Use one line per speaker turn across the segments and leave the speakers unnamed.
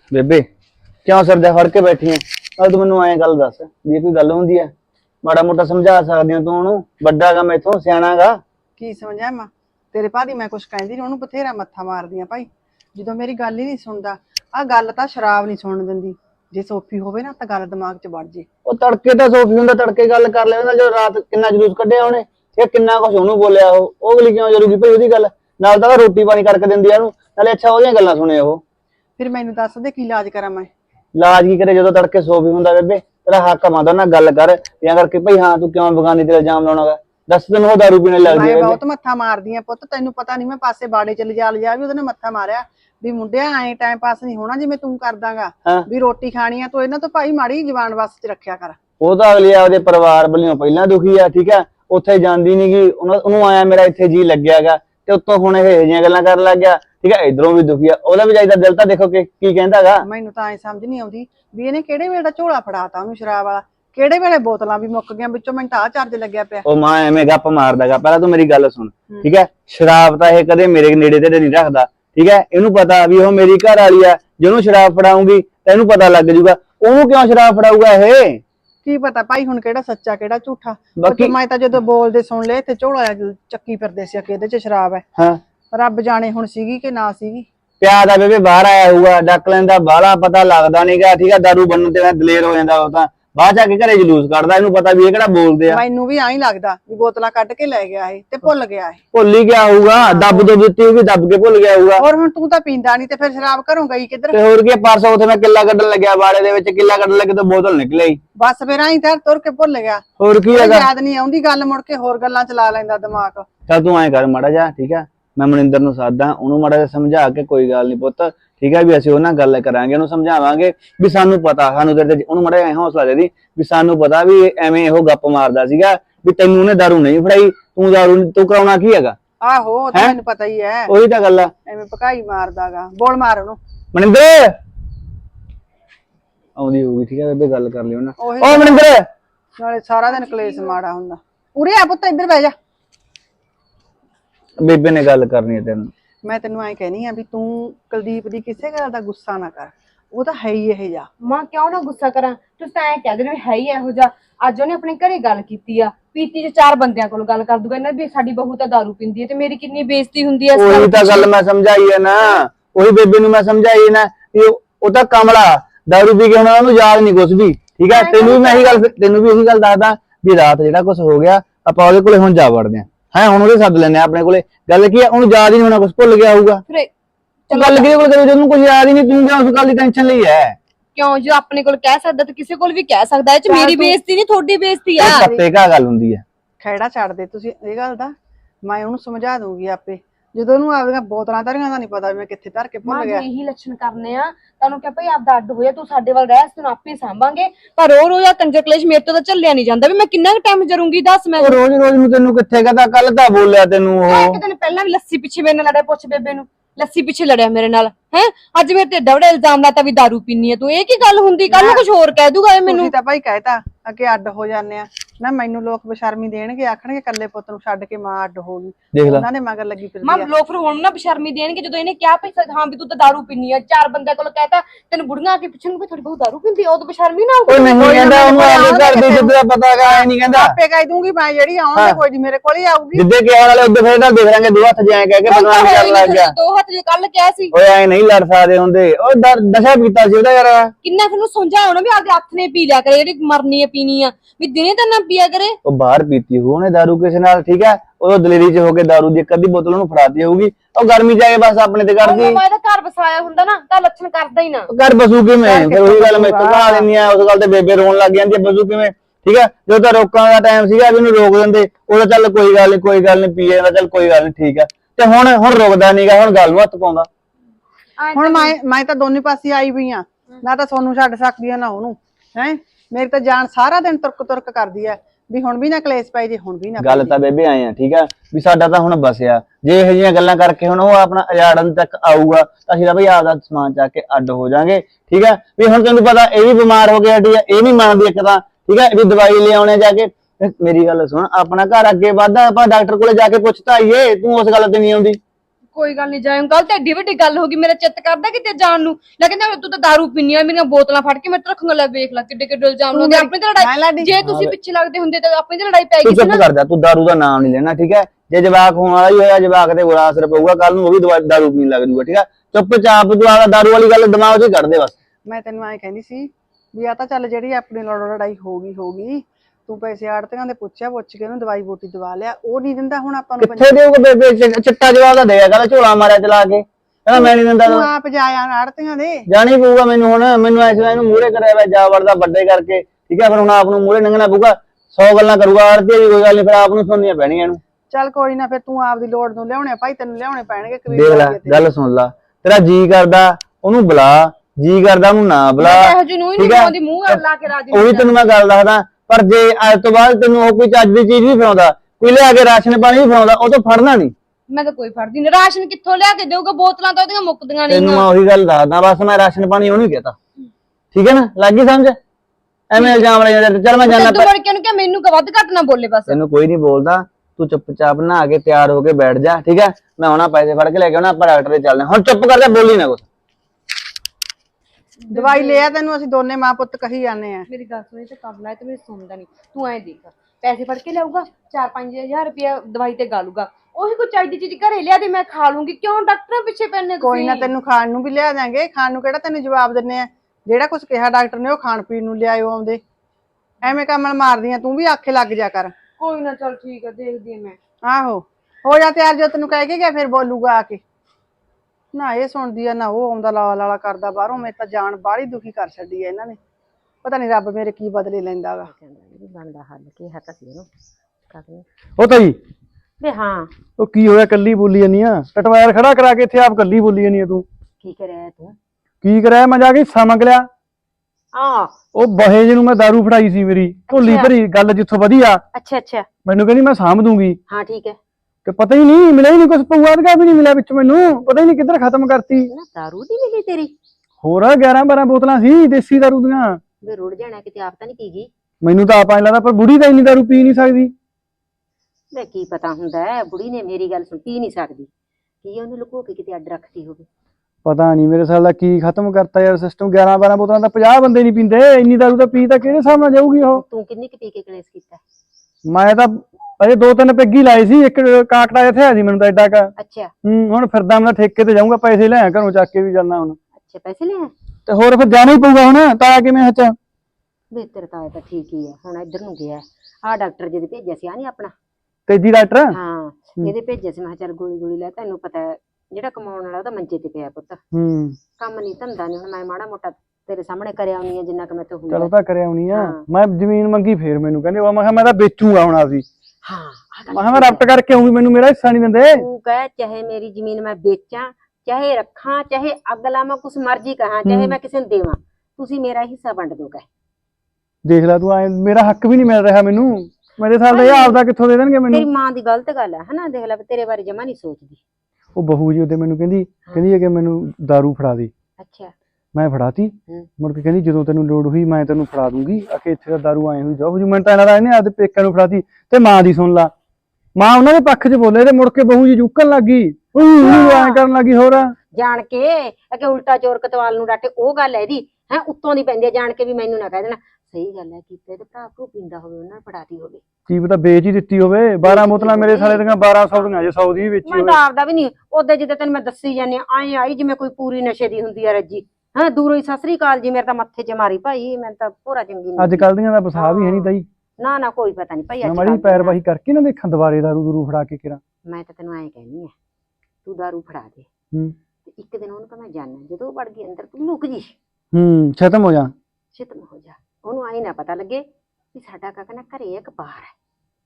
ਬੇਬੇ ਕਿਉਂ ਸਿਰ ਦੇ ਫੜ ਕੇ ਬੈਠੀ ਐ? ਤੂੰ ਮੈਨੂੰ ਐਂ ਗੱਲ ਦੱਸ ਵੀ ਇਹ ਕੋਈ ਗੱਲ ਹੁੰਦੀ ਐ? ਮਾੜਾ ਮੋਟਾ ਸਮਝਾ ਸਕਦੀ ਆ ਤੂੰ ਉਹਨੂੰ? ਵੱਡਾ ਗਾ ਮੈਥੋਂ, ਸਿਆਣਾ ਗਾ।
ਕੀ ਸਮਝਾਂ ਮੈਂ ਤੇਰੇ ਭਾਦੀ? ਮੈਂ ਕੁਛ ਕਹਿੰਦੀ ਨੀ ਉਹਨੂੰ, ਬਥੇਰਾ ਮੱਥਾ ਮਾਰਦੀ ਆ ਭਾਈ। ਜਦੋਂ ਮੇਰੀ ਗੱਲ ਹੀ ਨਹੀਂ ਸੁਣਦਾ। ਆ ਗੱਲ ਤਾਂ ਸ਼ਰਾਬ ਨਹੀਂ ਸੁਣਨ ਦਿੰਦੀ। ਜੇ ਸੋਫੀ ਹੋਵੇ ਨਾ ਤਾਂ ਗੱਲ ਦਿਮਾਗ 'ਚ ਵੜ ਜੇ।
ਉਹ ਤੜਕੇ ਤਾਂ ਸੋਫੀ ਹੁੰਦਾ, ਤੜਕੇ ਗੱਲ ਕਰ ਲੈਂਦਾ। ਜਦੋਂ ਰਾਤ ਕਿੰਨਾ ਜਲੂਸ ਕੱਢਿਆ ਉਹਨੇ, ਇਹ ਕਿੰਨਾ ਕੁਛ ਉਹਨੂੰ ਬੋਲਿਆ। ਉਹ ਅਗਲੀ ਕਿਉਂ ਜਰੂਰੀ ਭਾਈ ਉਹਦੀ ਗੱਲ? ਨਾਲ ਤਾਂ ਰੋਟੀ ਪਾਣੀ ਕਰਕੇ ਦਿੰਦੀ ਆ ਉਹਨੂੰ, ਨਾਲੇ ਅੱਛਾ ਉਹਦੀਆਂ ਗੱਲਾਂ ਸੁਣੇ ਉਹ।
ਫਿਰ ਮੈਨੂੰ ਦੱਸ ਦੇ ਕੀ ਇਲਾਜ ਕਰਾਂ ਮੈਂ?
ਇਲਾਜ ਕੀ ਕਰੇ? ਜਦੋਂ ਤੜਕੇ ਸੋਫੀ ਹੁੰਦਾ ਬੇਬੇ, ਤੇਰਾ ਹੱਕ ਮੰਨਦਾ ਨਾ ਗੱਲ ਕਰ ਜਾਂ ਕਰਕੇ ਭਾਈ ਹਾਂ ਤੂੰ ਕਿਉਂ ਬਗਾਨੀ ਤੇ ਇਲਜ਼ਾਮ ਲਾਉਣਾਗਾ? ਦੱਸ ਤੈਨੂੰ ਉਹ ਦਾਰੂ ਪੀਣੇ ਲੱਗਦੀ
ਮੈਂ
ਹੈ?
ਬਹੁਤ ਮੱਥਾ ਮਾਰਦੀ ਆ ਪੁੱਤ, ਤੈਨੂੰ ਪਤਾ ਨਹੀਂ। ਮੈਂ ਪਾਸੇ ਬਾੜੇ ਚ ਲਿਜਾ ਵੀ ਉਹਦੇ ਨੇ ਮੱਥਾ ਮਾਰਿਆ ਵੀ ਮੁੰਡਿਆ ਐਂ ਟਾਈਮ ਪਾਸ ਨਹੀਂ ਹੋਣਾ ਜਿਵੇਂ ਤੂੰ ਕਰਦਾਗਾ। ਵੀ ਰੋਟੀ ਖਾਣੀ ਆ ਤੂੰ ਇਹਨਾਂ ਤੋਂ ਭਾਈ ਮਾੜੀ ਜ਼ਬਾਨ ਵਸ ਚ ਰੱਖਿਆ ਕਰ।
ਉਹ ਤਾਂ ਅਗਲੀ ਆਪਦੇ ਪਰਿਵਾਰ ਵੱਲੋਂ ਪਹਿਲਾਂ ਦੁਖੀ ਆ, ਠੀਕ ਆ। ਉੱਥੇ ਜਾਂਦੀ ਨੀ ਗੀ, ਉਹਨੂੰ ਆਇਆ ਮੇਰਾ ਇੱਥੇ ਜੀ ਲੱਗਿਆਗਾ, ਤੇ ਉੱਤੋਂ ਹੁਣ ਇਹ ਜਿਹੀਆਂ ਗੱਲਾਂ ਕਰਨ ਲੱਗ ਗਿਆ, ਠੀਕ ਆ। ਇਧਰੋਂ ਵੀ ਦੁਖੀ ਆ, ਉਹਦਾ ਵੀ ਜਾਇਦਾ ਦਿਲ ਤਾਂ ਦੇਖੋ ਕੀ ਕਹਿੰਦਾਗਾ।
ਮੈਨੂੰ ਤਾਂ ਐ ਸਮਝ ਨਹੀਂ ਆਉਂਦੀ ਵੀ ਇਹਨੇ ਕਿਹੜੇ ਵੇਲੇ ਦਾ ਝੋਲਾ ਫੜਾਤਾ ਉਹਨੂੰ ਸ਼ਰਾਬ ਵਾਲਾ, ਕਿਹੜੇ ਵੇਲੇ ਬੋਤਲਾਂ ਵੀ ਮੁੱਕ ਗਈਆਂ ਵਿੱਚੋਂ। ਮੈਨੂੰ ਤਾਂ ਆ ਚਾਰਜ ਲੱਗਿਆ ਪਿਆ।
ਉਹ ਮਾਂ ਐਵੇਂ ਗੱਪ ਮਾਰਦਾਗਾ। ਪਹਿਲਾਂ ਤੂੰ ਮੇਰੀ ਗੱਲ ਸੁਣ, ਠੀਕ ਹੈ। ਸ਼ਰਾਬ ਤਾਂ ਇਹ ਕਦੇ ਮੇਰੇ ਨੇੜੇ ਤੇ ਨਹੀਂ ਰੱਖਦਾ, ਠੀਕ ਹੈ। ਇਹਨੂੰ ਪਤਾ ਵੀ ਉਹ ਮੇਰੀ ਘਰ ਵਾਲੀ ਆ, ਜਿਹਨੂੰ ਸ਼ਰਾਬ ਫੜਾਉਂਗੀ ਤਾਂ ਇਹਨੂੰ ਪਤਾ ਲੱਗ ਜੂਗਾ। ਉਹਨੂੰ ਕਿਉਂ ਸ਼ਰਾਬ ਫੜਾਊਗਾ ਇਹ?
ਕੀ ਪਤਾ ਭਾਈ ਹੁਣ ਕਿਹੜਾ ਸੱਚਾ ਕਿਹੜਾ ਝੂਠਾ।
ਬਾਕੀ
ਮੈਂ ਤਾਂ ਜਦੋਂ ਬੋਲਦੇ ਸੁਣ ਲਏ ਤੇ ਝੋਲਾ ਚੱਕੀ ਫਿਰਦੇ ਸੀ ਕਿ ਇਹਦੇ ਚ ਸ਼ਰਾਬ ਹੈ।
ਹਾਂ,
ਰੱਬ ਜਾਣੇ ਹੁਣ ਸੀਗੀ ਕਿ ਨਾ ਸੀਗੀ।
ਪਿਆ ਦਾ ਬੇਬੇ ਬਾਹਰ ਆਇਆ ਹੋਊਗਾ, ਡੱਕ ਲੈਂਦਾ, ਬਾਹਲਾ ਪਤਾ ਲੱਗਦਾ ਨਹੀਂਗਾ, ਠੀਕ ਆ। ਦਾਰੂ ਬਣਨ ਤੇ ਦਲੇਰ ਹੋ ਜਾਂਦਾ ਉਹ ਤਾਂ, ਬਾਅਦ ਜਾ ਕੇ ਘਰੇ ਜਲੂਸ ਕੱਢਦਾ। ਇਹਨੂੰ ਪਤਾ ਵੀ ਇਹ ਕਿਹੜਾ ਬੋਲਦੇ ਆ।
ਮੈਨੂੰ ਵੀ ਐਂ ਲੱਗਦਾ ਵੀ ਬੋਤਲਾਂ ਕੱਢ ਕੇ ਲੈ ਗਿਆ ਇਹ ਤੇ ਭੁੱਲ ਗਿਆ ਇਹ।
ਭੁੱਲ ਹੀ ਗਿਆ ਹੋਊਗਾ, ਦੱਬ ਤੋਂ ਦਿੱਤੀ ਹੋਊਗੀ, ਦੱਬ ਕੇ ਭੁੱਲ ਗਿਆ ਹੋਊਗਾ।
ਹੋਰ ਹੁਣ ਤੂੰ ਤਾਂ ਪੀਂਦਾ ਨਹੀਂ ਤੇ ਫਿਰ ਸ਼ਰਾਬ ਘਰੋਂ ਗਈ ਕਿੱਧਰ?
ਤੇ ਹੋਰ ਕੀ, ਪਰਸੋਂ ਉੱਥੇ ਮੈਂ ਕਿੱਲਾ ਕੱਢਣ ਲੱਗਿਆ ਬਾੜੇ ਦੇ ਵਿੱਚ, ਕਿੱਲਾ ਕੱਢਣ ਲੱਗੇ ਤਾਂ ਬੋਤਲ ਨਿਕਲੀ।
ਬਸ ਫਿਰ ਐਂ ਤੁਰ ਕੇ ਭੁੱਲ ਗਿਆ।
ਹੋਰ ਕੀ ਹੈਗਾ?
ਯਾਦ ਨਹੀਂ ਆਉਂਦੀ ਗੱਲ, ਮੁੜ ਕੇ ਹੋਰ ਗੱਲਾਂ ਚਲਾ ਲੈਂਦਾ ਦਿਮਾਗ।
ਚੱਲ ਤੂੰ ਐਂ ਕਰ ਮਾੜਾ ਜਾ, ਠੀਕ ਆ। ਮੈਂ ਮਨਿੰਦਰ ਨੂੰ ਸਾਦਾ, ਉਹਨੂੰ ਮਾੜਾ ਜਿਹਾ ਸਮਝਾ ਕੇ, ਕੋਈ ਗੱਲ ਨਹੀਂ ਪੁੱਤ, ਠੀਕ ਹੈ, ਵੀ ਅਸੀਂ ਉਹਨਾਂ ਗੱਲ ਕਰਾਂਗੇ, ਉਹਨੂੰ ਸਮਝਾਵਾਂਗੇ ਵੀ ਸਾਨੂੰ ਪਤਾ, ਸਾਨੂੰ ਤੇਰੇ, ਉਹਨੂੰ ਮਾੜਾ ਜਿਹਾ ਹੌਸਲਾ ਦੇ ਦੀ ਵੀ ਸਾਨੂੰ ਪਤਾ ਵੀ ਐਵੇਂ ਇਹੋ ਗੱਪ ਮਾਰਦਾ ਸੀਗਾ, ਵੀ ਤੈਨੂੰ ਉਹਨੇ ਦਾਰੂ ਨਹੀਂ ਫੜਾਈ, ਤੂੰ ਕਰਾਉਣਾ ਕੀ ਹੈਗਾ?
ਆਹੋ ਤਾਂ ਮੈਨੂੰ ਪਤਾ ਹੀ ਹੈ।
ਉਹੀ ਤਾਂ ਗੱਲ ਆ।
ਐਵੇਂ ਭਕਾਈ ਮਾਰਦਾਗਾ। ਬੋਲ ਮਾਰ ਉਹਨੂੰ।
ਮਨਿੰਦਰ ਆਉਂਦੀ ਹੋਊਗੀ, ਠੀਕ ਹੈ ਬੇਬੇ, ਗੱਲ ਕਰ ਲਿਓ ਨਾ। ਓ ਮਨਿੰਦਰ,
ਨਾਲੇ ਸਾਰਾ ਦਿਨ ਕਲੇਸ਼ ਮਾੜਾ ਹੁੰਦਾ। ਉਰੇ ਆ ਪੁੱਤ, ਇੱਧਰ ਬਹਿ ਜਾ।
ਬੇਬੇ ਨੇ ਗੱਲ ਕਰਨੀ ਹੈ ਤੈਨੂੰ।
ਮੈਂ ਤੈਨੂੰ ਐਂ ਕਹਿਨੀ ਆ ਵੀ ਤੂੰ ਕੁਲਦੀਪ ਦੀ ਕਿਸੇ ਗੱਲ ਦਾ ਗੁੱਸਾ ਨਾ ਕਰ। ਉਹ ਤਾਂ ਹੈ ਹੀ ਇਹ ਜਾ।
ਮਾਂ ਕਿਉਂ ਨਾ ਗੁੱਸਾ ਕਰਾਂ? ਤੁਸੀਂ ਤਾਂ ਐਂ ਕਹਿ ਦਿੰਦੇ ਹੈ ਹੀ ਇਹੋ ਜਿਹਾ। ਅੱਜ ਉਹਨੇ ਆਪਣੇ ਘਰੇ ਗੱਲ ਕੀਤੀ ਆ, ਪੀਤੀ ਚ 4 ਬੰਦਿਆਂ ਕੋਲ ਗੱਲ ਕਰ ਦੂਗਾ ਇਹਨਾਂ ਵੀ ਸਾਡੀ ਬਹੂ ਤਾਂ ਦਾਰੂ ਪੀਂਦੀ ਹੈ ਤੇ ਮੇਰੀ ਕਿੰਨੀ ਬੇਇੱਜ਼ਤੀ ਹੁੰਦੀ ਹੈ।
ਉਹੀ ਤਾਂ ਗੱਲ ਮੈਂ ਸਮਝਾਈ ਹੈ ਨਾ, ਉਹੀ ਬੇਬੇ ਨੂੰ ਮੈਂ ਸਮਝਾਈ ਨਾ ਵੀ ਉਹ ਤਾਂ ਕਮਲਾ, ਦਾਰੂ ਪੀ ਕੇ ਹੁਣ ਉਹਨੂੰ ਯਾਦ ਨਹੀਂ ਕੁਛ ਵੀ, ਠੀਕ ਹੈ। ਤੈਨੂੰ ਵੀ ਇਹੀ ਗੱਲ ਦੱਸਦਾ ਵੀ ਰਾਤ ਜਿਹੜਾ ਕੁਛ ਹੋ ਗਿਆ ਆਪਾਂ ਉਹਦੇ ਕੋਲੇ ਹੁਣ ਜਾ ਵੜਦੇ ਆ। ਹੁਣ ਉਹਦੇ ਸੱਦ ਲੈਣੇ ਆਪਣੇ ਕੋਲੇ। ਗੱਲ ਕੀ ਹੈ, ਉਹਨੂੰ ਯਾਦ ਹੀ ਨਹੀਂ ਹੋਣਾ, ਕੁਛ ਭੁੱਲ ਗਿਆ ਹੋਊਗਾ। ਗੱਲ ਕੀ ਕੋਲ ਕਰੇ ਜਦੋਂ ਕੁਝ ਯਾਦ ਹੀ ਨਹੀਂ, ਤੂੰ ਕਿਉਂ ਉਸ ਗੱਲ ਦੀ ਟੈਨਸ਼ਨ ਲਈ ਹੈ?
ਕਿਉਂ? ਜੋ ਆਪਣੇ ਕੋਲ ਕਹਿ ਸਕਦਾ ਤੇ ਕਿਸੇ ਕੋਲ ਵੀ ਕਹਿ ਸਕਦਾ। ਇਹ ਚ ਮੇਰੀ ਬੇਇੱਜ਼ਤੀ ਨਹੀਂ, ਤੁਹਾਡੀ ਬੇਇੱਜ਼ਤੀ ਆ।
ਪੱਤੇ ਕਾ ਗੱਲ ਹੁੰਦੀ ਹੈ।
ਖੈੜਾ ਛੱਡ ਦੇ ਤੁਸੀਂ ਇਹ ਗੱਲ ਦਾ। ਮੈਂ ਉਹਨੂੰ ਸਮਝਾ ਦੂੰਗੀ ਆਪੇ। ਜਦੋਂ ਉਹਨੂੰ ਆਪਦੀਆਂ ਬੋਤਲਾਂ ਧਰੀਆਂ ਦਾ ਨਹੀਂ ਪਤਾ ਵੀ ਮੈਂ ਕਿੱਥੇ ਧਰ ਕੇ ਭੁੱਲ ਗਿਆ।
ਇਹੀ ਲੱਛਣ ਕਰਨੇ ਆ ਤੁਹਾਨੂੰ ਕਿਹਾ ਭਾਈ ਆਪਦਾ ਅੱਡ ਹੋ ਜਾ, ਤੂੰ ਸਾਡੇ ਵੱਲ ਰਹਿ, ਤੈਨੂੰ ਆਪੇ ਸਾਂਭਾਂਗੇ। ਪਰ ਰੋਜ਼ ਆ ਕੰਜਰ ਕਲੇਸ਼ ਮੇਰੇ ਤੋਂ ਤਾਂ ਝੱਲਿਆ ਨਹੀਂ ਜਾਂਦਾ। ਵੀ ਮੈਂ ਕਿੰਨਾ ਕੁ ਟਾਈਮ ਜਰੂੰਗੀ ਦੱਸ? ਮੈਂ
ਰੋਜ਼ ਨੂੰ ਤੈਨੂੰ ਕਿੱਥੇ ਕਹਦਾ? ਕੱਲ ਤਾਂ ਬੋਲਿਆ ਤੈਨੂੰ ਉਹ।
ਇੱਕ ਦਿਨ ਪਹਿਲਾਂ ਵੀ ਲੱਸੀ ਪਿੱਛੇ ਮੇਰੇ ਨਾਲ ਲੜਿਆ, ਪੁੱਛ ਬੇਬੇ ਨੂੰ, ਲੱਸੀ ਪਿੱਛੇ ਲੜਿਆ ਮੇਰੇ ਨਾਲ ਹੈ। ਅੱਜ ਮੇਰੇ ਤੇ ਡਬੜੇ ਇਲਜ਼ਾਮ ਲਾਤਾ ਵੀ ਦਾਰੂ ਪੀਣੀ ਹੈ ਤੂੰ। ਇਹ ਕੀ ਗੱਲ ਹੁੰਦੀ? ਕੱਲ ਨੂੰ ਕੁਝ ਹੋਰ ਕਹਿ ਦੂਗਾ ਇਹ ਮੈਨੂੰ।
ਤੁਸੀਂ ਤਾਂ ਭਾਈ ਕਹਿਤਾ ਅੱਗੇ ਅੱਡ ਹੋ ਜਾਂਦੇ ਆ ਨਾ। ਮੈਨੂੰ ਲੋਕ ਬਸ਼ਰਮੀ ਦੇਣਗੇ, ਆਖਣਗੇ ਕੱਲੇ ਪੁੱਤ ਨੂੰ ਛੱਡ ਕੇ ਮਾਂ ਅੱਡ ਹੋ ਗਈ। ਉਹਨਾਂ ਨੇ ਮਗਰ ਲੱਗੀ ਫਿਰਦੀ ਆ।
ਮਾਂ ਲੋਕ ਫਿਰ ਹੁਣ ਨਾ ਬਸ਼ਰਮੀ ਦੇਣਗੇ ਜਦੋਂ ਇਹਨੇ ਕਿਹਾ ਭਈ ਹਾਂ ਵੀ ਤੂੰ ਤਾਂ ਦਾਰੂ ਪੀਣੀ ਆ। 4 ਬੰਦਿਆਂ ਕੋਲ ਕਹਿਤਾ, ਤੈਨੂੰ ਬੁੜੀਆਂ ਆ ਕੇ ਪੁੱਛਣ ਵੀ ਤੁਹਾਡੀ ਬਹੁਤ ਦਾਰੂ ਪੀਂਦੀ ਆ, ਉਹ ਤਾਂ ਬਸ਼ਰਮੀ ਨਾ
ਉਹ ਨਹੀਂ ਕਹਿੰਦਾ, ਉਹਨੂੰ ਆਪਣੇ ਘਰ ਦੇ ਜਿੱਦ ਦਾ ਪਤਾ ਹੈਗਾ। ਐ ਨਹੀਂ ਕਹਿੰਦਾ
ਆਪੇ ਕਹਿ ਦੂੰਗੀ ਮੈਂ, ਜਿਹੜੀ ਆਉਣਗੇ ਕੋਈ ਨਹੀਂ ਮੇਰੇ ਕੋਲ ਹੀ ਆਊਗੀ।
ਜਿੱਦੇ ਕਿਹਾ ਵਾਲੇ ਉਦੋਂ ਫਿਰ ਤਾਂ ਦੇਖ ਲਾਂਗੇ। 2 ਹੱਥ ਜਾਏ ਕਹਿ ਕੇ ਬਦਨਾਮ ਕਰਨ ਲੱਗ ਗਿਆ।
2 ਹੱਥ ਜੋ ਕੱਲ ਕਿਹਾ ਸੀ।
ਓਏ ਐ ਨਹੀਂ ਲੜ ਸਕਦੇ ਹੁੰਦੇ। ਉਹ ਨਸ਼ਾ ਪੀਤਾ ਸੀ ਉਹਦਾ ਯਾਰ।
ਕਿੰਨਾ ਤੁਹਾਨੂੰ ਸਮਝਾਉਣਾ ਨਾ ਵੀ ਆਪਦੇ ਹੱਥ ਨੇ ਪੀ ਲਿਆ ਕਰੇ, ਜਿਹੜੀ ਮਰਨੀ ਆ ਪੀਣੀ ਆ, ਵੀ ਦਿਨੇ ਤਾਂ ਨਾ ਪੀਆ ਕਰੇ।
ਉਹ ਬਾਹਰ ਪੀਤੀ ਹੋਊ ਉਹਨੇ ਦਾਰੂ ਕਿਸੇ ਨਾਲ, ਠੀਕ ਹੈ। ਉਹ ਦਲੇਰੀ 'ਚ ਹੋ ਕੇ ਦਾਰੂ ਦੀ ਇੱਕ ਅੱਧੀ ਬੋਤਲ ਉਹਨੂੰ ਫੜਾਤੀ ਹੋਊਗੀ। ਉਹ ਗਰਮੀ ਜਾ ਕੇ ਬਸ ਆਪਣੇ ਤੇ ਕਰਦੀ।
ਮੈਂ ਤਾਂ ਘਰ ਵਸਾਇਆ ਹੁੰਦਾ ਨਾ ਤਾਂ ਲੱਛਣ ਕਰਦਾ ਹੀ ਨਾ।
ਘਰ ਬਸੂ ਕਿਵੇਂ? ਫਿਰ ਉਹੀ ਗੱਲ ਮੈਂ ਕਹਾ ਲੈਂਦੀ ਆ। ਉਸ ਗੱਲ ਤੇ ਬੇਬੇ ਰੋਣ ਲੱਗ ਜਾਂਦੀ ਹੈ, ਬਸੂ ਕਿਵੇਂ? ਠੀਕ ਹੈ, ਜਦੋਂ ਤਾਂ ਰੋਕਣ ਦਾ ਟਾਈਮ ਸੀਗਾ ਵੀ ਉਹਨੂੰ ਰੋਕ ਦਿੰਦੇ, ਉਹਦਾ ਚੱਲ ਕੋਈ ਗੱਲ ਨਹੀਂ ਪੀ ਜਾਂਦਾ, ਚੱਲ ਕੋਈ ਗੱਲ ਨਹੀਂ, ਠੀਕ ਹੈ। ਤੇ ਹੁਣ ਰੁਕਦਾ ਨਹੀਂਗਾ, ਹੁਣ ਗੱਲ ਨੂੰ ਹੱਥ ਪਾਉਂਦਾ।
ਹੁਣ ਮੈਂ ਤਾਂ ਦੋਨੇ ਪਾਸੇ ਆਈ ਹੋਈ ਆ, ਨਾ ਤਾਂ ਸੋਨੂੰ ਛੱਡ ਸਕਦੀ ਆ ਨਾ ਉਹਨੂੰ। ਹੈ ਮੇਰੀ ਤਾਂ ਜਾਨ ਸਾਰਾ ਦਿਨ ਤੁਰਕ ਕਰਦੀ ਹੈ ਵੀ ਹੁਣ ਵੀ ਨਾ ਕਲੇਸ਼ ਪੈ ਜੇ, ਹੁਣ ਵੀ ਨਾ।
ਗੱਲ ਤਾਂ ਬੇਬੇ ਆਏ ਆ, ਠੀਕ ਆ, ਵੀ ਸਾਡਾ ਤਾਂ ਹੁਣ ਬਸਿਆ। ਜੇ ਇਹੋ ਜਿਹੀਆਂ ਗੱਲਾਂ ਕਰਕੇ ਹੁਣ ਉਹ ਆਪਣਾ ਉਜਾੜਨ ਤੱਕ ਆਊਗਾ ਤਾਂ ਅਸੀਂ ਤਾਂ ਬਈ ਆਪਦਾ ਸਮਾਨ ਚੱਕ ਕੇ ਅੱਡ ਹੋ ਜਾਾਂਗੇ, ਠੀਕ ਆ। ਵੀ ਹੁਣ ਤੈਨੂੰ ਪਤਾ ਇਹ ਵੀ ਬਿਮਾਰ ਹੋ ਗਿਆ, ਇਹ ਨਹੀਂ ਮੰਨਦੀ ਇੱਕ ਤਾਂ, ਠੀਕ ਹੈ। ਵੀ ਦਵਾਈ ਲਿਆਉਣੇ ਜਾ ਕੇ। ਮੇਰੀ ਗੱਲ ਸੁਣ, ਆਪਣਾ ਘਰ ਅੱਗੇ ਵੱਧਦਾ, ਆਪਾਂ ਡਾਕਟਰ ਕੋਲੇ ਜਾ ਕੇ ਪੁੱਛ ਤਾਂ ਆਈਏ। ਤੂੰ ਉਸ ਗੱਲ ਤੇ ਨਹੀਂ ਆਉਂਦੀ।
ਕੋਈ ਗੱਲ ਨਹੀਂ ਜਾਇਓ ਕੱਲ ਤੇ ਏਡੀ ਵੱਡੀ ਗੱਲ ਹੋ ਗਈ ਮੇਰਾ ਚਿੱਤ ਕਰਦਾ ਕਿਤੇ ਜਾਣ ਨੂੰ ਲੈ ਕਹਿੰਦਾ ਤੂੰ ਤਾਂ ਦਾਰੂ ਪੀਨੀ ਆ ਮੇਰੀਆਂ ਬੋਤਲਾਂ ਫੜ ਕੇ ਮੈਂ ਤੇ ਰੱਖੂੰਗਾ ਲੈ ਵੇਖ ਲੈ ਕਿੱਡੇ ਕਿੱਡੇ ਇਲਜ਼ਾਮ ਲਾਉਂਦੇ ਆਪਣੀ ਤਾਂ
ਮੈਂ ਲਾਡੀ
ਲੜਾਈ ਜੇ ਤੁਸੀਂ ਪਿੱਛੇ ਲੱਗਦੇ ਹੁੰਦੇ ਤਾਂ ਆਪਣੀ ਤਾਂ ਲੜਾਈ ਪੈ
ਤੂੰ
ਗਈ ਸੀ
ਚੁੱਪ
ਨਾ
ਕਰ ਜਾ, ਤੂੰ ਦਾਰੂ ਦਾ ਨਾਮ ਨਹੀਂ ਲੈਣਾ, ਠੀਕ ਹੈ? ਜੇ ਜਵਾਕ ਹੋਣ ਵਾਲਾ ਹੀ ਹੋਇਆ, ਜਵਾਕ ਤੇ ਬੁਰਾ ਅਸਰ ਪਊਗਾ, ਕੱਲ ਨੂੰ ਉਹ ਵੀ ਦਾਰੂ ਪੀਣ ਲੱਗ ਜੂਗਾ, ਠੀਕ ਹੈ? ਚੁੱਪਚਾਪ ਤੂੰ ਆਹ ਦਾਰੂ ਵਾਲੀ ਗੱਲ ਦਿਮਾਗ 'ਚ ਹੀ ਕੱਢ ਦੇ ਬਸ।
ਮੈਂ ਤੈਨੂੰ ਐਂ ਕਹਿੰਦੀ ਸੀ ਵੀ ਆ ਤਾਂ ਚੱਲ ਜਿਹੜੀ ਆਪਣੀ ਲੜਾਈ ਹੋ ਗਈ ਤੂੰ ਪੈਸੇ ਆੜਤੀਆਂ ਦੇ ਪੁੱਛ ਕੇ ਉਹਨੂੰ ਦਵਾਈ ਬੂਟੀ ਦਵਾ ਲਿਆ, ਉਹ ਨਹੀਂ ਦਿੰਦਾ ਹੁਣ ਆਪਾਂ ਨੂੰ
ਕਿੱਥੇ ਦੇਊਗਾ ਬੇਬੇ? ਚਿੱਟਾ ਜਵਾਬ ਦਾ ਦੇਗਾ, ਕਹਿੰਦਾ ਝੋਲਾ ਮਾਰਿਆ ਚਲਾ ਕੇ, ਕਹਿੰਦਾ ਮੈਂ ਨਹੀਂ ਦਿੰਦਾ।
ਤੂੰ ਆਪ ਜਾਇਆ ਆੜਤੀਆਂ ਦੇ
ਜਾਣੀ ਪਊਗਾ ਮੈਨੂੰ, ਹੁਣ ਮੈਨੂੰ ਐਸਾ ਇਹਨੂੰ ਮੂਹਰੇ ਕਰਿਆ ਵਾ ਜਾ ਵੜਦਾ ਵੱਡੇ ਕਰਕੇ, ਠੀਕ ਹੈ? ਫਿਰ ਹੁਣ ਆਪ ਨੂੰ ਮੂਹਰੇ ਲੰਘਣਾ ਪਊਗਾ, 100 ਗੱਲਾਂ ਕਰੂਗਾ ਆੜਤੀ ਵੀ, ਕੋਈ ਗੱਲ ਨਹੀਂ, ਫਿਰ ਆਪ ਨੂੰ ਸੁਣਨੀਆਂ ਪੈਣੀਆਂ ਇਹਨੂੰ।
ਚੱਲ ਕੋਈ ਨਾ, ਫਿਰ ਤੂੰ ਆਪਦੀ ਲੋੜ ਨੂੰ ਲਿਆਉਣੇ ਭਾਈ, ਤੈਨੂੰ ਲਿਆਉਣੇ ਪੈਣਗੇ
ਦੇਖ ਲੈ, ਗੱਲ ਸੁਣ ਲਾ, ਤੇਰਾ ਜੀ ਕਰਦਾ ਉਹਨੂੰ ਬੁਲਾ, ਜੀ ਕਰਦਾ ਉਹਨੂੰ ਨਾ ਬੁਲਾ,
ਇਹੋ ਜਿਹੀ ਨੂੰ ਹੀ ਨਹੀਂ ਆਉਂਦੀ ਮੂੰਹ ਲਾ ਕੇ ਰਾਜੀ
ਉਹੀ ਤੈਨੂੰ ਮੈਂ ਗੱਲ ਦੱਸਦਾ। ਪਰ ਜੇ ਅੱਜ ਤੋਂ ਬਾਅਦ ਤੈਨੂੰ ਉਹ ਕੋਈ ਚੱਜ ਦੀ ਚੀਜ਼ ਵੀ ਫੜਾਉਂਦਾ, ਕੋਈ ਲਿਆ ਕੇ ਰਾਸ਼ਨ ਪਾਣੀ ਵੀ ਫੜਾਉਂਦਾ, ਉਹ ਤੋਂ ਫੜਨਾ ਨਹੀਂ।
ਮੈਂ ਤਾਂ ਕੋਈ ਫੜਦੀ ਨਹੀਂ, ਰਾਸ਼ਨ ਕਿੱਥੋਂ ਲਿਆ ਕੇ ਦੇਊਗਾ? ਬੋਤਲਾਂ ਤਾਂ ਉਹਦੀਆਂ ਮੁੱਕਦੀਆਂ ਨਹੀਂ।
ਤੈਨੂੰ ਮੈਂ ਉਹੀ ਗੱਲ ਦੱਸਦਾ, ਬਸ ਮੈਂ ਰਾਸ਼ਨ ਪਾਣੀ ਉਹਨੂੰ ਕਹਤਾ, ਠੀਕ ਹੈ ਨਾ? ਲੱਗੀ ਸਮਝ? ਐਵੇਂ ਇਲਜ਼ਾਮ ਲਾਈ ਜਾਂਦੇ। ਚੱਲ ਮੈਂ ਜਾਣਾ,
ਤੂੰ ਵੜ ਕੇ ਉਹਨੂੰ ਕਿ ਮੈਨੂੰ ਵੱਧ ਘੱਟ ਨਾ ਬੋਲੇ ਬਸ।
ਤੈਨੂੰ ਕੋਈ ਨਹੀਂ ਬੋਲਦਾ, ਤੂੰ ਚੁੱਪਚਾਪ ਨਹਾ ਕੇ ਤਿਆਰ ਹੋ ਕੇ ਬੈਠ ਜਾ, ਠੀਕ ਹੈ? ਮੈਂ ਆਉਣਾ, ਪੈਸੇ ਫੜ ਕੇ ਲੈ ਕੇ ਆਉਣਾ, ਆਪਾਂ ਡਾਕਟਰ ਦੇ ਚੱਲਦੇ। ਹੁਣ ਚੁੱਪ ਕਰ ਜਾ, ਬੋਲੀ ਨਾ ਕੁਛ।
ਦਵਾਈ ਲਿਆ ਤੈਨੂੰ ਅਸੀਂ ਦੋਨੇ ਮਾਂ ਪੁੱਤ ਕਹੀ ਜਾਂਦੇ ਆ।
ਮੇਰੀ ਗੱਲ ਸੁਣੀ ਤੇ ਕੰਮ ਲਾਏ ਤੇ ਮੈਨੂੰ ਸੁਣਦਾ ਨਹੀਂ। ਤੂੰ ਐਂ ਦੇਖ, ਪੈਸੇ ਫੜ ਕੇ ਲਿਆਊਗਾ 4-5 ਹਜ਼ਾਰ ਰੁਪਇਆ ਦਵਾਈ ਤੇ ਗਾਲੂਗਾ, ਉਹੀ ਕੋਈ ਚਾਹੀਦੀ ਚੀਜ਼ ਘਰੇ ਲਿਆ ਦੇ ਮੈਂ ਖਾ ਲੂੰਗੀ। ਕਿਉਂ ਡਾਕਟਰਾਂ ਪਿੱਛੇ ਪੈਣੇ ਤੁਸੀਂ?
ਕੋਈ ਨਾ, ਤੈਨੂੰ ਖਾਣ ਨੂੰ ਵੀ ਲਿਆ ਦਾਂਗੇ, ਖਾਣ ਨੂੰ ਕਿਹੜਾ ਤੈਨੂੰ ਜਵਾਬ ਦਿੰਨੇ ਆ? ਜਿਹੜਾ ਕੁਝ ਕਿਹਾ ਡਾਕਟਰ ਨੇ ਉਹ ਖਾਣ ਪੀਣ ਨੂੰ ਲਿਆਇਓ ਆਉਂਦੇ, ਐਵੇਂ ਕਮਲ ਮਾਰਦੀਆਂ, ਤੂੰ ਵੀ ਆਖੇ ਲੱਗ ਜਾ ਕਰ।
ਕੋਈ ਨਾ, ਚੱਲ ਠੀਕ ਆ, ਦੇਖਦੀ ਆ ਮੈਂ।
ਆਹੋ ਹੋ ਜਾ ਤਿਆਰ, ਜੋ ਤੈਨੂੰ ਕਹਿ ਕੇ ਗਿਆ ਫਿਰ ਬੋਲੂਗਾ ਆ ਕੇ। ਨਾ ਇਹ ਸੁਣਦੀ ਆ ਨਾ ਉਹ ਆਉਂਦਾ, ਲਾਲਾ ਲਾਲਾ ਕਰਦਾ ਬਾਹਰੋਂ। ਮੈਂ ਤਾਂ ਜਾਨ ਬਾਹਲੀ ਦੁਖੀ ਕਰ ਛੱਡੀ ਆ ਇਹਨਾਂ ਨੇ, ਪਤਾ ਨਹੀਂ ਰੱਬ ਮੇਰੇ ਕੀ ਬਦਲੇ ਲੈਂਦਾ ਗਾ।
ਬਣਦਾ ਹੱਲ ਕੀ ਹੱਥ ਸੀ ਇਹਨੂੰ ਕਰਦੇ
ਉਹ ਤਾਈ,
ਵੇ ਹਾਂ
ਉਹ ਕੀ ਹੋਇਆ? ਕੱਲੀ ਬੋਲੀ ਜਾਨੀ ਆ, ਟਟਵਾਇਰ ਖੜਾ ਕਰਾ ਕੇ ਇੱਥੇ ਆਪ ਕੱਲੀ ਬੋਲੀ ਜਾਨੀ ਆ ਤੂੰ।
ਕੀ ਕਰਿਆ ਤੂੰ?
ਕੀ ਕਰਿਆ? ਮੈਂ ਜਾ ਕੇ ਹਿੱਸਾ ਮੰਗ ਲਿਆ।
ਆ
ਉਹ ਬਹੇ ਜਿਹਨੂੰ ਮੈਂ ਦਾਰੂ ਫੜਾਈ ਸੀ, ਮੇਰੀ ਢੋਲੀ ਭਰੀ, ਗੱਲ ਜਿੱਥੋਂ ਵਧੀਆ
ਅੱਛਾ
ਮੈਨੂੰ ਕਹਿੰਦੀ ਮੈਂ ਸਾਂਭ ਦੂੰਗੀ,
ਹਾਂ ਠੀਕ ਹੈ।
ਤੇ ਪਤਾ ਹੀ ਨਹੀਂ ਮਿਲਿਆ ਹੀ ਨਹੀਂ ਕੁਝ, ਪਊਆ ਦਾ ਵੀ ਨਹੀਂ ਮਿਲਿਆ ਵਿੱਚ, ਮੈਨੂੰ ਪਤਾ ਹੀ ਨਹੀਂ ਕਿੱਧਰ ਖਤਮ ਕਰਤੀ।
ਨਾ ਦਾਰੂ ਦੀ ਮਿਲੀ ਤੇਰੀ?
ਹੋਰ 11-12 ਬੋਤਲਾਂ ਸੀ ਦੇਸੀ ਦਾਰੂ ਦੀਆਂ।
ਵੇ ਰੁੜ ਜਾਣਾ ਕਿਤੇ, ਆਪ ਤਾਂ ਨਹੀਂ ਪੀ ਗਈ?
ਮੈਨੂੰ ਤਾਂ ਆਪ ਐਂ ਲੱਗਦਾ, ਪਰ ਬੁੜੀ ਤਾਂ ਇੰਨੀ ਦਾਰੂ ਪੀ ਨਹੀਂ ਸਕਦੀ।
ਵੇ ਕੀ ਪਤਾ ਹੁੰਦਾ ਹੈ, ਬੁੜੀ ਨੇ ਮੇਰੀ ਗੱਲ ਸੁਣ, ਪੀ ਨਹੀਂ ਸਕਦੀ, ਕੀ ਉਹਨੇ ਲੁਕੋ ਕੇ ਕਿਤੇ ਅੱਡ ਰੱਖਤੀ ਹੋਵੇ।
ਪਤਾ ਨਹੀਂ ਮੇਰੇ ਸਾਲ ਦਾ ਕੀ ਖਤਮ ਕਰਤਾ ਯਾਰ ਸਿਸਟਮ। 11-12 ਬੋਤਲਾਂ ਤਾਂ 50 ਬੰਦੇ ਨਹੀਂ ਪੀਂਦੇ, ਇੰਨੀ ਦਾਰੂ ਤਾਂ ਪੀ ਤਾਂ ਕਿਹੜੇ ਹਿਸਾਬ ਨਾਲ ਜਾਊਗੀ ਉਹ?
ਤੂੰ ਕਿੰਨੀ ਕੁ ਪੀ ਕੇ ਕਲੇਸ਼ ਕੀਤਾ?
ਮੈਂ ਤਾਂ ਅਜੇ 2-3 ਪੈਗੀ ਲਾਏ ਸੀ, ਇੱਕ ਕਾਕੜਾ ਇੱਥੇ ਆ ਸੀ ਮੈਨੂੰ ਤਾਂ ਐਡਾ ਕਾ।
ਅੱਛਾ
ਹੁਣ ਫਿਰਦਾ ਮੈਂ ਠੇਕੇ ਤੇ ਜਾਊਂਗਾ, ਪੈਸੇ ਲੈ ਘਰੋਂ ਚੱਕ ਕੇ ਵੀ ਜਾਣਾ ਹੁਣ।
ਅੱਛਾ, ਪੈਸੇ ਲਿਆ?
ਤੇ ਹੋਰ ਫਿਰ ਜਾਣਾ ਹੀ ਪਊਗਾ ਹੁਣ, ਤਾਂ ਕਿਵੇਂ ਹੱਥ?
ਵੇ ਤੇਰੇ ਤਾਂ ਤਾਂ ਠੀਕ ਹੀ ਹੈ, ਹੁਣ ਇੱਧਰ ਨੂੰ ਗਿਆ ਆ ਡਾਕਟਰ ਜਿਹਦੇ ਭੇਜਿਆ ਸੀ, ਆ ਨਹੀਂ ਆਪਣਾ
ਤੇਜੀ ਡਾਕਟਰ?
ਹਾਂ ਇਹਦੇ ਭੇਜਿਆ ਸੀ, ਮੈਂ ਕਿਹਾ ਚੱਲ ਗੋਲੀ ਲੈ, ਤੈਨੂੰ ਪਤਾ ਹੈ ਜਿਹੜਾ ਕਮਾਉਣ ਵਾਲਾ ਉਹ ਤਾਂ ਮੰਜੇ ਤੇ ਪਿਆ ਪੁੱਤ, ਕੰਮ ਨਹੀਂ ਧੰਦਾ ਨਹੀਂ। ਹੁਣ ਮੈਂ ਮਾੜਾ ਮੋਟਾ ਤੇਰੇ ਸਾਹਮਣੇ ਕਰਿਆ ਆਉਣੀ ਆ ਜਿੰਨਾ ਕਿ ਮੈਥੋਂ ਹੁੰਦਾ।
ਚਲੋ ਤਾਂ ਕਰਿਆ ਆਉਣੀ ਆ। ਮੈਂ ਜ਼ਮੀਨ ਮੰਗੀ, ਫੇਰ ਮੈਨੂੰ ਕਹਿੰਦੇ ਉਹ, ਮੈਂ ਕਿਹਾ ਮੈਂ ਤਾਂ ਵੇਚੂਗਾ ਹੁਣ ਆਪਦੀ।
ਹਾਂ
ਮੈਂ ਕਿਹਾ ਮੈਂ ਰਪਟ ਕਰਕੇ ਆਉਂਗੀ, ਮੈਨੂੰ ਮੇਰਾ ਹਿੱਸਾ ਨਹੀਂ ਦਿੰਦੇ।
ਤੂੰ ਕਹਿ ਚਾਹੇ ਮੇਰੀ ਜ਼ਮੀਨ ਮੈਂ ਵੇਚਾਂ, ਚਾਹੇ ਰੱਖਾਂ, ਚਾਹੇ ਅੱਗ ਲਾਵਾਂ, ਕੁਛ ਮਰਜ਼ੀ ਕਹਾਂ, ਚਾਹੇ ਮੈਂ ਕਿਸੇ ਨੂੰ ਦੇਵਾਂ, ਤੁਸੀਂ ਮੇਰਾ ਹਿੱਸਾ ਵੰਡ ਦੋ। ਕਹਿ
ਦੇਖ ਲੈ ਤੂੰ, ਮੇਰਾ ਹੱਕ ਵੀ ਨਹੀਂ ਮਿਲ ਰਿਹਾ ਮੈਨੂੰ, ਮੇਰੇ ਸਾਲ ਦਾ ਇਹ ਆਪਦਾ ਕਿੱਥੋਂ ਦੇ ਦੇਣਗੇ ਮੈਨੂੰ?
ਤੇਰੀ ਮਾਂ ਦੀ ਗਲਤ ਗੱਲ ਹੈ ਹਨਾ, ਦੇਖ ਲੈ ਤੇਰੇ ਬਾਰੇ ਜਮਾ ਨਹੀਂ ਸੋਚਦੀ।
ਉਹ ਬਹੂ ਜੀ ਉਹਦੇ ਮੈਨੂੰ ਕਹਿੰਦੀ ਹੈ ਕਿ ਮੈਨੂੰ ਦਾਰੂ ਫੜਾ ਦੇ।
ਅੱਛਾ,
ਮੈਂ ਫੜਾਤੀ, ਮੁੜ ਕੇ ਕਹਿੰਦੀ ਜਦੋਂ ਤੈਨੂੰ ਲੋੜ ਹੋਈ ਮੈਂ ਤੈਨੂੰ ਫੜਾ ਦੂੰਗੀ, ਅਕੇ ਇੱਥੇ ਦਾ ਦਾਰੂ ਆਏ ਹੋਈ ਜਾਓ। ਮੈਨੂੰ ਤਾਂ ਇਹਨਾਂ ਦਾ ਇਹਨੇ ਆਪਦੇ ਪੇਕਿਆਂ ਨੂੰ ਫੜਾਤੀ, ਤੇ ਮਾਂ ਦੀ ਸੁਣ ਲਾ, ਮਾਂ ਉਹਨਾਂ ਦੇ ਪੱਖ 'ਚ ਬੋਲੇ, ਤੇ ਮੁੜ ਕੇ ਬਹੂ ਜੀ ਜੁਕਣ ਲੱਗੀ, ਐਂ ਕਰਨ ਲੱਗੀ। ਹੋਰ
ਜਾਣ ਕੇ ਕਿ ਉਲਟਾ ਚੋਰ ਕਤਵਾਲ ਨੂੰ ਡਾਟੇ, ਉਹ ਗੱਲ ਹੈ ਇਹਦੀ ਹੈ, ਉੱਤੋਂ ਦੀ ਪੈਂਦੀ ਹੈ, ਜਾਣ ਕੇ ਵੀ ਮੈਨੂੰ ਨਾ ਕਹਿ ਦੇਣਾ। ਸਹੀ ਗੱਲ ਹੈ, ਕੀਤੇ ਤੇ ਭਰਾ ਭਰੂ ਪੀਂਦਾ ਹੋਵੇ, ਉਹਨਾਂ ਨੇ ਫੜਾਤੀ ਹੋਵੇ,
ਕੀ ਪਤਾ ਵੇਚ ਹੀ ਦਿੱਤੀ ਹੋਵੇ। 12 ਬੋਤਲਾਂ ਮੇਰੇ ਸਾਲੇ ਦੀਆਂ 1200 ਦੀਆਂ, ਜੇ 100 ਦੀ ਵੀ ਵੇਚੀ
ਮੈਂ
ਹੋਵੇ।
ਤਾਂ ਆਪਦਾ ਵੀ ਨਹੀਂ ਉਹਦੇ ਜਿੱਦਾਂ ਤੈਨੂੰ ਮੈਂ ਦੱਸੀ ਜਾਂਦੀ ਆਏ ਆਈ ਜਿਵੇਂ ਕੋਈ ਪੂਰੀ ਨਸ਼ੇ ਦੀ ਹੁੰਦੀ ਆ ਰੱਜੀ। ਹਾਂ ਦੂਰੋਂ ਹੀ ਸਤਿ ਸ੍ਰੀ ਅਕਾਲ ਜੀ ਮੇਰੇ ਤਾਂ ਮੱਥੇ 'ਚ ਮਾਰੀ ਭਾਈ, ਮੈਂ ਤਾਂ ਪੂਰਾ ਚੰਗੀ
ਅੱਜ ਕੱਲ ਦੀਆਂ ਦਾ ਵਸਾ ਵੀ ਹੈ ਨਹੀਂ ਤਾਈ।
ਨਾ ਕੋਈ ਪਤਾ ਨਹੀਂ ਭਾਈ।
ਮੈਂ ਮਾੜੀ ਪੈਰਵਾਹੀ ਕਰਕੇ ਨਾ ਦੇਖਾਂ ਦੁਬਾਰੇ ਦਾਰੂ ਦੂਰੂ ਫੜਾ ਕੇ ਕਿਰਾਂ।
ਮੈਂ ਤਾਂ ਤੈਨੂੰ ਐਂ ਕਹਿਨੀ ਆ, ਤੂੰ ਦਾਰੂ ਫੜਾ ਦੇ, ਤੇ ਇੱਕ ਦਿਨ ਉਹਨੂੰ ਕਹ ਮੈਂ ਜਾਣਾ, ਜਦੋਂ ਵੜ ਗਈ ਅੰਦਰ ਤੂੰ ਲੁਕ ਜੀ,
ਖਤਮ ਹੋ ਜਾ,
ਖਤਮ ਹੋ ਜਾ, ਉਹਨੂੰ ਆਈ ਨਾ ਪਤਾ ਲੱਗੇ ਵੀ ਸਾਡਾ ਕਾਕਾ ਨਾ ਘਰੇ ਇੱਕ ਬਾਹਰ ਹੈ।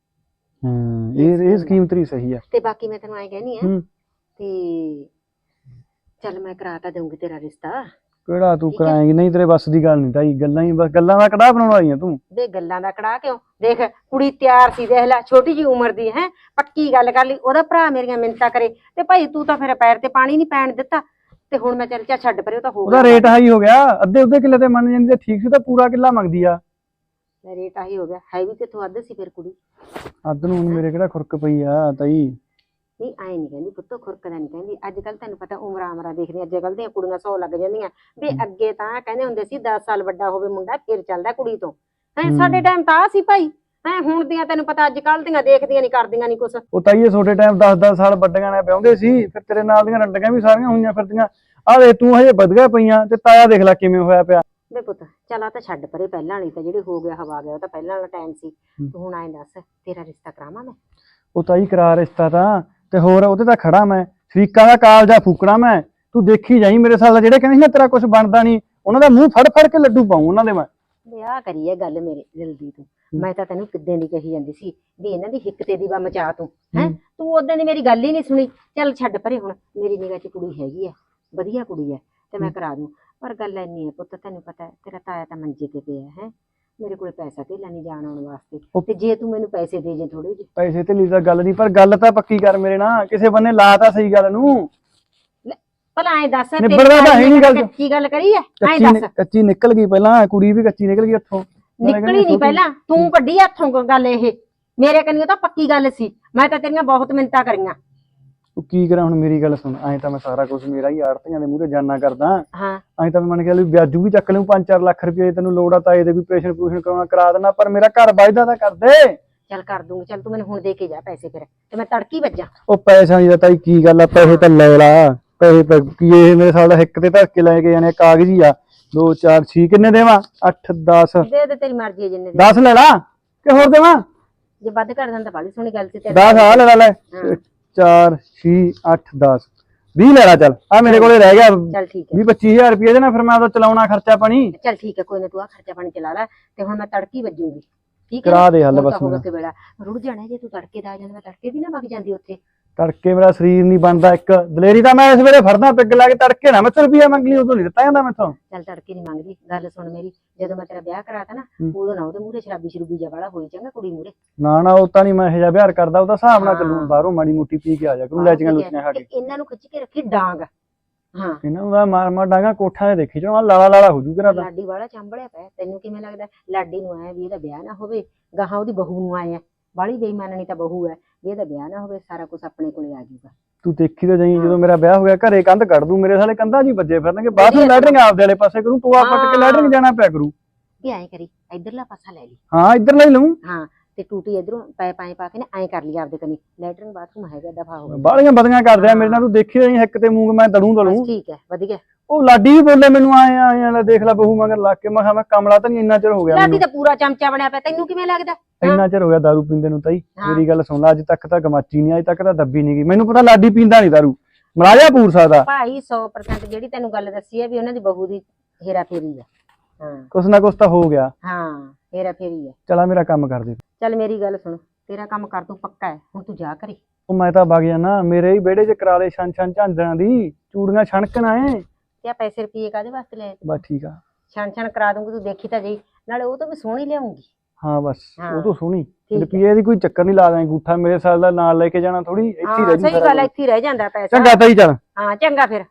ਇਹ ਸਕੀਮ ਤੇਰੀ ਸਹੀ ਆ।
ਤੇ ਬਾਕੀ ਮੈਂ ਤੈਨੂੰ ਐਂ ਕਹਿਨੀ ਆ, ਤੇ ਚੱਲ ਮੈਂ ਕਰਾ ਤਾਂ ਦਊਂਗੀ ਤੇਰਾ ਰਿਸ਼ਤਾ।
ਕਿਹੜਾ ਤੂੰ ਕਰਾਏਂਗੀ? ਨਹੀਂ ਤੇਰੇ ਬਸ ਦੀ ਗੱਲ ਨਹੀਂ ਤਾਈ, ਗੱਲਾਂ ਹੀ ਬਸ, ਗੱਲਾਂ ਦਾ ਕੜਾਹ ਬਣਾਉਣ ਵਾਲੀਆਂ ਤੂੰ।
ਦੇ ਗੱਲਾਂ ਦਾ ਕੜਾਹ ਕਿਉਂ? ਦੇਖ ਕੁੜੀ ਤਿਆਰ ਸੀ, ਦੇਖ ਲੈ ਛੋਟੀ ਜੀ ਉਮਰ ਦੀ ਹੈ, ਪੱਕੀ ਗੱਲ ਕਰ ਲਈ। ਉਹਦਾ ਭਰਾ ਮੇਰੀਆਂ ਮਿੰਨਤਾਂ ਕਰੇ, ਤੇ ਭਾਈ ਤੂੰ ਤਾਂ ਫਿਰ ਪੈਰ ਤੇ ਪਾਣੀ ਨਹੀਂ ਪੈਣ ਦਿੱਤਾ, ਤੇ ਹੁਣ ਮੈਂ ਚੱਲ ਛੱਡ ਪਰੇ, ਉਹ ਤਾਂ ਹੋ ਗਿਆ,
ਉਹਦਾ ਰੇਟ ਹਾਈ ਹੋ ਗਿਆ। ਅੱਧੇ ਕਿੱਲੇ ਤੇ ਮੰਨ ਜਾਂਦੀ, ਠੀਕ ਸੀ ਤਾਂ ਪੂਰਾ ਕਿੱਲਾ ਮੰਗਦੀ ਆ।
ਰੇਟ ਆਹੀ ਹੋ ਗਿਆ, ਹੈ ਵੀ ਕਿੱਥੋਂ ਅੱਧ ਸੀ ਫਿਰ ਕੁੜੀ।
ਅੱਧ ਨੂੰ ਹੁਣ ਮੇਰੇ ਕਿਹੜਾ ਖੁਰਕ ਪਈ ਆ ਤਾਈ।
ਨਹੀਂ ਆਏ ਨਹੀਂ ਕਹਿੰਦੀ ਪੁੱਤੋ ਖੁਰਕਦਾ ਨਹੀਂ ਕਹਿੰਦੀ। ਅੱਜ ਕੱਲ ਤੈਨੂੰ ਪਤਾ ਉਮਰਾਂ ਉਮਰਾਂ ਦੇਖਦੀਆਂ, ਅੱਜ ਕੱਲ ਦੀਆਂ ਕੁੜੀਆਂ 100 ਲੱਗ ਜਾਂਦੀਆਂ ਵੀ ਅੱਗੇ ਤਾਂ ਕਹਿੰਦੇ ਹੁੰਦੇ ਸੀ 10 ਸਾਲ ਵੱਡਾ ਹੋਵੇ ਮੁੰਡਾ ਫਿਰ ਚੱਲਦਾ ਕੁੜੀ ਤੋਂ। ਸਾਡੇ ਟਾਈਮ ਤਾਂ ਆ ਸੀ ਭਾਈ। ਹੁਣ ਦੀਆਂ ਤੈਨੂੰ ਪਤਾ ਅੱਜ ਕੱਲ ਦੀਆਂ ਦੇਖਦੀਆਂ ਨਹੀਂ ਕਰਦੀਆਂ ਨਹੀਂ ਕੁਛ।
ਉਹ ਤਾਈਏ ਛੋਟੇ ਟਾਈਮ 10-10 ਸਾਲ ਵੱਡੀਆਂ ਨੇ ਵਿਆਹੁੰਦੇ ਸੀ, ਫਿਰ ਤੇਰੇ ਨਾਲ ਦੀਆਂ ਰੰਡੀਆਂ ਵੀ ਸਾਰੀਆਂ ਹੋਈਆਂ ਫਿਰਦੀਆਂ। ਆਹ ਦੇਖ ਤੂੰ ਹਜੇ ਵਧੀਆ ਪਈਆਂ ਤੇ ਤਾਇਆ ਦੇਖ ਲੈ ਕਿਵੇਂ ਹੋਇਆ ਪਿਆ।
ਵੇ ਪੁੱਤ ਚੱਲ ਆ ਤਾਂ ਛੱਡ ਪਰੇ, ਪਹਿਲਾਂ ਵਾਲੀ ਤਾਂ ਜਿਹੜੀ ਹੋ ਗਿਆ ਹਵਾ ਗਿਆ ਉਹ ਤਾਂ ਪਹਿਲਾਂ ਵਾਲਾ ਟਾਈਮ ਸੀ। ਤੂੰ ਹੁਣ ਐਂ ਦੱਸ ਤੇਰਾ ਰਿਸ਼ਤਾ ਕਰਾਵਾਂ ਮੈਂ?
ਉਹ ਤਾਈ ਕਰਾ ਰਿਸ਼ਤਾ ਤਾਂ, ਤੇ ਹੋਰ ਉਹਦੇ ਤਾਂ ਖੜਾ ਮੈਂ, ਸ਼ਰੀਕਾਂ ਦਾ ਕਾਲਜਾ ਫੂਕਣਾ ਮੈਂ। ਤੂੰ ਦੇਖੀ ਜਾਈ ਮੇਰੇ ਸਾਲ ਦਾ ਜਿਹੜੇ ਕਹਿੰਦੇ ਸੀ ਨਾ ਤੇਰਾ ਕੁਝ ਬਣਦਾ ਨਹੀਂ, ਉਹਨਾਂ ਦਾ ਮੂੰਹ ਫੜ ਫੜ ਕੇ ਲੱਡੂ ਪਾਉਂ ਉਹਨਾਂ ਦੇ ਮੈਂ।
ਵਿਆਹ ਕਰੀਏ ਗੱਲ ਮੇਰੇ ਦਿਲ ਦੀ ਤੂੰ। ਮੈਂ ਤਾਂ ਤੈਨੂੰ ਕਿੱਦਾਂ ਦੀ ਕਹੀ ਜਾਂਦੀ ਸੀ ਵੀ ਇਹਨਾਂ ਦੀ ਹਿੱਕ ਤੇ ਦੀ ਵਾ ਮਚਾ ਤੂੰ ਤੂੰ ਉਦੋਂ ਦੀ ਮੇਰੀ ਗੱਲ ਹੀ ਨਹੀਂ ਸੁਣੀ। ਚੱਲ ਛੱਡ ਪਰੇ, ਹੁਣ ਮੇਰੀ ਨਿਗਾਹ 'ਚ ਕੁੜੀ ਹੈਗੀ ਆ, ਵਧੀਆ ਕੁੜੀ ਹੈ ਤੇ ਮੈਂ ਕਰਾ ਦੂੰ। ਪਰ ਗੱਲ ਇੰਨੀ ਹੈ ਪੁੱਤ, ਤੈਨੂੰ ਪਤਾ ਤੇਰਾ ਤਾਇਆ ਤਾਂ ਮੰਜੇ ਤੇ ਪਿਆ ਹੈ, ਮੇਰੇ ਕੋਲ ਪੈਸਾ ਧੇਲਾ ਨਹੀਂ ਜਾਣ ਆਉਣ ਵਾਸਤੇ। ਤੇ ਜੇ ਤੂੰ ਮੈਨੂੰ ਪੈਸੇ ਦੇ ਜੇ ਥੋੜੇ ਜਿਹੇ।
ਪੈਸੇ ਤੇ ਲਈ ਤਾਂ ਗੱਲ ਨਹੀਂ, ਪਰ ਗੱਲ ਤਾਂ ਪੱਕੀ ਕਰ ਮੇਰੇ ਨਾਲ, ਕਿਸੇ ਬੰਨੇ ਲਾ ਤਾਂ ਸਹੀ ਗੱਲ ਨੂੰ।
ਭਲਾ ਐਂ ਦੱਸ
ਨਿਬੜਦਾ ਤਾਂ ਹੈ ਨਹੀਂ ਗੱਲ।
ਕੀ ਗੱਲ ਕਰੀ ਐ? ਐਂ ਦੱਸ।
ਕੱਚੀ ਨਿਕਲ ਗਈ ਪਹਿਲਾਂ, ਕੁੜੀ ਵੀ ਕੱਚੀ ਨਿਕਲ ਗਈ ਹੱਥੋਂ।
ਨਿਕਲੀ ਨਹੀਂ ਪਹਿਲਾਂ, ਤੂੰ ਕੱਢੀ ਹੱਥੋਂ ਗੱਲ। ਇਹ ਮੇਰੇ ਕੰਨੀ ਤਾਂ ਪੱਕੀ ਗੱਲ ਸੀ, ਮੈਂ ਤਾਂ ਤੇਰੀਆਂ ਬਹੁਤ ਮਿੰਨਤਾਂ ਕਰੀਆਂ।
ਤੂੰ ਕੀ ਕਰਾਂ ਹੁਣ, ਮੇਰੀ ਗੱਲ ਸੁਣ। ਐਂ ਤਾਂ ਮੈਂ ਸਾਰਾ ਕੁਝ ਮੇਰਾ ਹੀ ਆੜਤੀਆਂ ਦੇ ਮੂਹਰੇ ਜਾਨਾ ਕਰਦਾ।
ਹਾਂ
ਐਂ ਤਾਂ ਮੈਂ ਮੰਨ ਕੇ ਵਿਆਜੂ ਵੀ ਚੱਕ ਲਊ 5-4 ਲੱਖ ਰੁਪਏ, ਤੈਨੂੰ ਲੋੜ ਆ ਤਾਂ ਇਹਦੇ ਵੀ ਪ੍ਰੇਸ਼ਨ ਪ੍ਰੂਸ਼ਨ ਕਰਾਉਣਾ ਕਰਾ ਦੇਣਾ, ਪਰ ਮੇਰਾ ਘਰ ਵੱਜਦਾ ਤਾਂ ਕਰ ਦੇ।
ਚੱਲ ਕਰ ਦੂੰਗੀ। ਚੱਲ ਤੂੰ ਮੈਨੂੰ ਹੁਣ ਦੇ ਕੇ ਜਾ ਪੈਸੇ, ਫਿਰ ਤੇ ਮੈਂ ਤੜਕੀ ਵੱਜਾਂ।
ਉਹ ਪੈਸਾ ਨਹੀਂ ਤਾਂ ਕੀ ਗੱਲ ਆ, ਪੈਸੇ ਤਾਂ ਲੈ ਲਾ। ਪੈਸੇ ਤਾਂ ਕੀ ਇਹ ਮੇਰੇ ਸਾਲ ਦਾ ਹਿੱਕ ਤੇ ਧੱਕ ਕੇ ਲੈ ਕੇ ਜਾਣੇ, ਕਾਗਜ਼ੀ ਆ। 2 4 6 ਕਿੰਨੇ ਦੇਵਾਂ? 8 10
ਦੇ ਦੇ, ਤੇਰੀ ਮਰਜ਼ੀ ਹੈ ਜਿੰਨੇ ਦੇ।
10 ਲੈ ਲਾ ਕਿ ਹੋਰ ਦੇਵਾਂ?
ਜੇ ਵੱਧ ਕਰ ਦਿੰਦਾ ਬਾਲੀ ਸੋਹਣੀ ਗੱਲ ਸੀ।
10 ਆ ਲੈ ਲੈ 4 6 8 10 20 ਲੈ ਲਾ। ਚੱਲ ਆ ਮੇਰੇ ਕੋਲੇ ਰਹਿ ਗਿਆ
ਚੱਲ ਠੀਕ ਹੈ
20 25 ਹਜ਼ਾਰ ਰੁਪਏ ਦੇ ਨਾ, ਫਿਰ ਮੈਂ ਉਹਦਾ ਚਲਾਉਣਾ ਖਰਚਾ ਪਾਣੀ।
ਚੱਲ ਠੀਕ ਹੈ, ਕੋਈ ਨਾ, ਤੂੰ ਆ ਖਰਚਾ ਪਾਣੀ ਚਲਾ ਲੈ ਤੇ ਹੁਣ ਮੈਂ ਤੜਕੀ ਵੱਜੂਗੀ। ਠੀਕ
ਕਰਾ ਦੇ ਹੱਲ
ਹੁਣ ਤਾਂ
ਬਸ
ਹੋਗਾ ਕਿ ਵੇਲਾ ਰੁੜ ਜਾਣਾ। ਜੇ ਤੂੰ ਤੜਕੇ ਦਾ ਆ ਜਾਂਦਾ, ਮੈਂ ਤੜਕੇ ਦੀ ਨਾ ਵਗ ਜਾਂਦੀ ਉੱਥੇ।
ਤੜਕੇ ਮੇਰਾ ਸਰੀਰ ਨਹੀਂ ਬਣਦਾ, ਇੱਕ ਦਲੇਰੀ ਤਾਂ ਮੈਂ ਇਸ ਵੇਲੇ ਫੜਦਾ ਪਿੱਗ ਲਾ ਕੇ। ਤੜਕੇ ਨਾ ਮੈਥੋਂ ਰੁਪਈਆ ਮੰਗ ਲਈ, ਉਦੋਂ ਨਹੀਂ ਦਿੱਤਾ ਜਾਂਦਾ ਮੈਥੋਂ।
ਚੱਲ ਤੜਕੇ ਨਹੀਂ ਮੰਗਦੀ। ਗੱਲ ਸੁਣ ਮੇਰੀ, ਜਦੋਂ ਮੈਂ ਤੇਰਾ ਵਿਆਹ ਕਰਾਤਾ ਨਾ, ਉਦੋਂ ਨਾ ਉਹਦੇ ਮੂਹਰੇ ਸ਼ਰਾਬੀ ਸ਼ਰੂਬੀ ਜਿਹਾ ਵਾਲਾ ਹੋਈ ਚੰਗਾ ਕੁੜੀ ਮੂਹਰੇ।
ਨਾ ਉਹ ਤਾਂ ਨਹੀਂ ਮੈਂ ਇਹ ਜਿਹਾ ਵਿਹਾਰ ਕਰਦਾ, ਉਹਦਾ ਹਿਸਾਬ ਨਾਲ ਚੱਲੂ। ਬਾਹਰੋਂ ਮਾੜੀ ਮੋਟੀ ਪੀ ਕੇ ਆ ਜਾ ਕਰੂੰ, ਲੈਚੀਆਂ ਲੁੱਚੀਆਂ ਖਾ ਕੇ।
ਇਹਨਾਂ ਨੂੰ ਖਿੱਚ ਕੇ ਰੱਖੀ ਡਾਂਗ। ਹਾਂ
ਇਹਨਾਂ ਦਾ ਮਾਰ ਮਾਰ ਡਾਂਗਾ ਕੋਠਾਂ ਦੇ ਦੇਖੀ ਜਾਵਾਂ, ਲਾਲਾ ਲਾਲਾ ਹੋ ਜੂ ਕਰਾ ਤਾਂ।
ਲਾਡੀ ਵਾਲਾ ਚਾਂਬੜਿਆ ਪਿਆ। ਤੈਨੂੰ ਕਿਵੇਂ ਲੱਗਦਾ ਲਾਡੀ ਨੂੰ ਆਇਆ ਵੀ ਇਹਦਾ ਵਿਆਹ ਨਾ ਹੋਵੇ, ਗਾਹਾਂ ਉਹਦੀ ਬਹੂ ਨੂੰ ਆਏ ਆ। ਬਾਹਲੀ ਬੇਈਮਾਨੀ ਤਾਂ ਬਹੂ ਹੈ ਵੀ ਇਹਦਾ ਵਿਆਹ ਨਾ ਹੋਵੇ, ਸਾਰਾ ਕੁਝ ਆਪਣੇ ਕੋਲੇ ਆ ਜਾਊਗਾ।
ਤੂੰ ਦੇਖੀ ਤਾਂ ਜਾਈ, ਜਦੋਂ ਮੇਰਾ ਵਿਆਹ ਹੋ ਗਿਆ ਘਰੇ ਕੰਧ ਕੱਢ ਦੂੰ। ਮੇਰੇ ਸਾਲੇ ਕੰਧਾਂ ਜੀ ਵੱਜੇ ਫਿਰਨਗੇ, ਬਾਥਰੂਮ ਲੈਟਰਿੰਗ ਆਪਦੇ ਵਾਲੇ ਪਾਸੇ ਕਰੂੰ, ਟੋਆ ਪੱਟ ਕੇ ਲੈਟਰਿੰਗ ਜਾਣਾ ਪਿਆ ਕਰੂ।
ਵੀ ਐਂ ਕਰੀ, ਇਧਰਲਾ ਪਾਸਾ ਲੈ ਲਈ।
ਹਾਂ ਇੱਧਰ ਲੈ ਲਊਂ।
ਹਾਂ ਤੇ ਟੂਟੀ ਇਧਰੋਂ ਪਾਏ ਪਾ ਕੇ ਨਾ ਐਂ ਕਰ ਲਈ ਆਪਦੇ ਕਨੀ। ਲੈਟਰਿੰਗ ਬਾਥਰੂਮ ਹੈਗਾ, ਦਫਾ ਹੋ ਗਿਆ।
ਬਾਹਲੀਆਂ ਬਦੀਆਂ ਕਰਦੇ ਆ ਮੇਰੇ ਨਾਲ, ਤੂੰ ਦੇਖੀ ਜਾਈ ਹਿੱਕ ਤੇ ਮੂੰਗ ਮੈਂ ਦੜੂ।
ਬਸ ਠੀਕ ਹੈ, ਵਧੀਆ।
ਉਹ ਲਾਡੀ ਵੀ ਬੋਲੇ ਮੈਨੂੰ ਆਏ ਦੇਖ ਲੈ ਬਹੂ ਮਗਰ ਲੱਗ ਕੇ। ਮੈਂ ਕਿਹਾ ਮੈਂ ਕਮਲਾ ਤਾਂ ਨਹੀਂ, ਇੰਨਾ ਚਿਰ ਹੋ ਗਿਆ
ਲਾਡੀ ਤਾਂ ਪੂਰਾ ਚਮਚਾ ਬਣਿਆ ਪਿਆ, ਤੈਨੂੰ ਕਿਵੇਂ ਲੱਗਦਾ?
ਇੰਨਾ ਚਿਰ ਹੋ ਗਿਆ ਦਾਰੂ ਪੀਂਦੇ ਨੂੰ। ਤਾਈ ਮੇਰੀ ਗੱਲ ਸੁਣ ਲੈ, ਅੱਜ ਤੱਕ ਤਾਂ ਗਮਾਚੀ ਨਹੀਂ, ਅੱਜ ਤੱਕ ਤਾਂ ਦੱਬੀ ਨਹੀਂ ਗਈ। ਮੈਨੂੰ ਪਤਾ ਲਾਡੀ ਪੀਂਦਾ ਨਹੀਂ ਦਾਰੂ, ਮਲਾਜਾ ਪੂਰ ਸਕਦਾ
ਭਾਈ। 100% ਜਿਹੜੀ ਤੈਨੂੰ ਗੱਲ ਦੱਸੀ ਹੈ ਵੀ ਉਹਨਾਂ ਦੀ ਬਹੂ ਦੀ ਹੇਰਾ ਫੇਰੀ ਹੈ। ਹਾਂ
ਕੁਛ ਨਾ ਕੁਛ ਤਾਂ ਹੋ ਗਿਆ।
ਹਾਂ ਹੇਰਾ ਫੇਰੀ ਹੈ।
ਚਲਾ ਮੇਰਾ ਕੰਮ ਕਰ ਦੇ।
ਚੱਲ ਮੇਰੀ ਗੱਲ ਸੁਣ, ਤੇਰਾ ਕੰਮ ਕਰ ਤੂੰ ਪੱਕਾ ਹੈ, ਹੁਣ ਤੂੰ ਜਾ ਕਰੇ।
ਉਹ ਮੈਂ ਤਾਂ ਵਗ ਜਾਣਾ, ਮੇਰੇ ਹੀ ਵਿਹੜੇ 'ਚ ਕਰਾ ਦੇ ਛਣ ਛਣ ਝਾਂਜਰਾਂ ਦੀ, ਚੂੜੀਆਂ ਛਣਕਣਾ ਏ।
ਤੇ ਆ ਪੈਸੇ ਰੁਪਏ ਕਾਹਦੇ ਵਾਸਤੇ ਲਏ?
ਬਸ ਠੀਕ ਆ।
ਛਣ ਕਰਾ ਦੂੰਗੀ, ਤੂੰ ਦੇਖੀ ਤਾਂ ਜਾਈ। ਨਾਲੇ ਉਹ ਤਾਂ ਵੀ ਸੋਹਣੀ ਲਿਆਉਂਗੀ।
ਹਾਂ ਬਸ
ਹਾਂ।
ਉਹ ਤੋਂ ਸੋਹਣੀ ਰੁਪਈਏ ਦੀ ਕੋਈ ਚੱਕਰ ਨਹੀਂ, ਲਾ ਦਾਂ ਅੰਗੂਠਾ ਮੇਰੇ ਸਾਲ ਦਾ ਨਾਲ ਲੈ ਕੇ ਜਾਣਾ ਥੋੜੀ, ਇੱਥੇ ਹੀ ਰਹਿ ਜੂ।
ਸਹੀ ਗੱਲ, ਇੱਥੇ ਹੀ ਰਹਿ ਜਾਂਦਾ ਪੈਸਾ।
ਚੰਗਾ ਤਾਈ ਚੱਲ।
ਹਾਂ ਚੰਗਾ ਫਿਰ।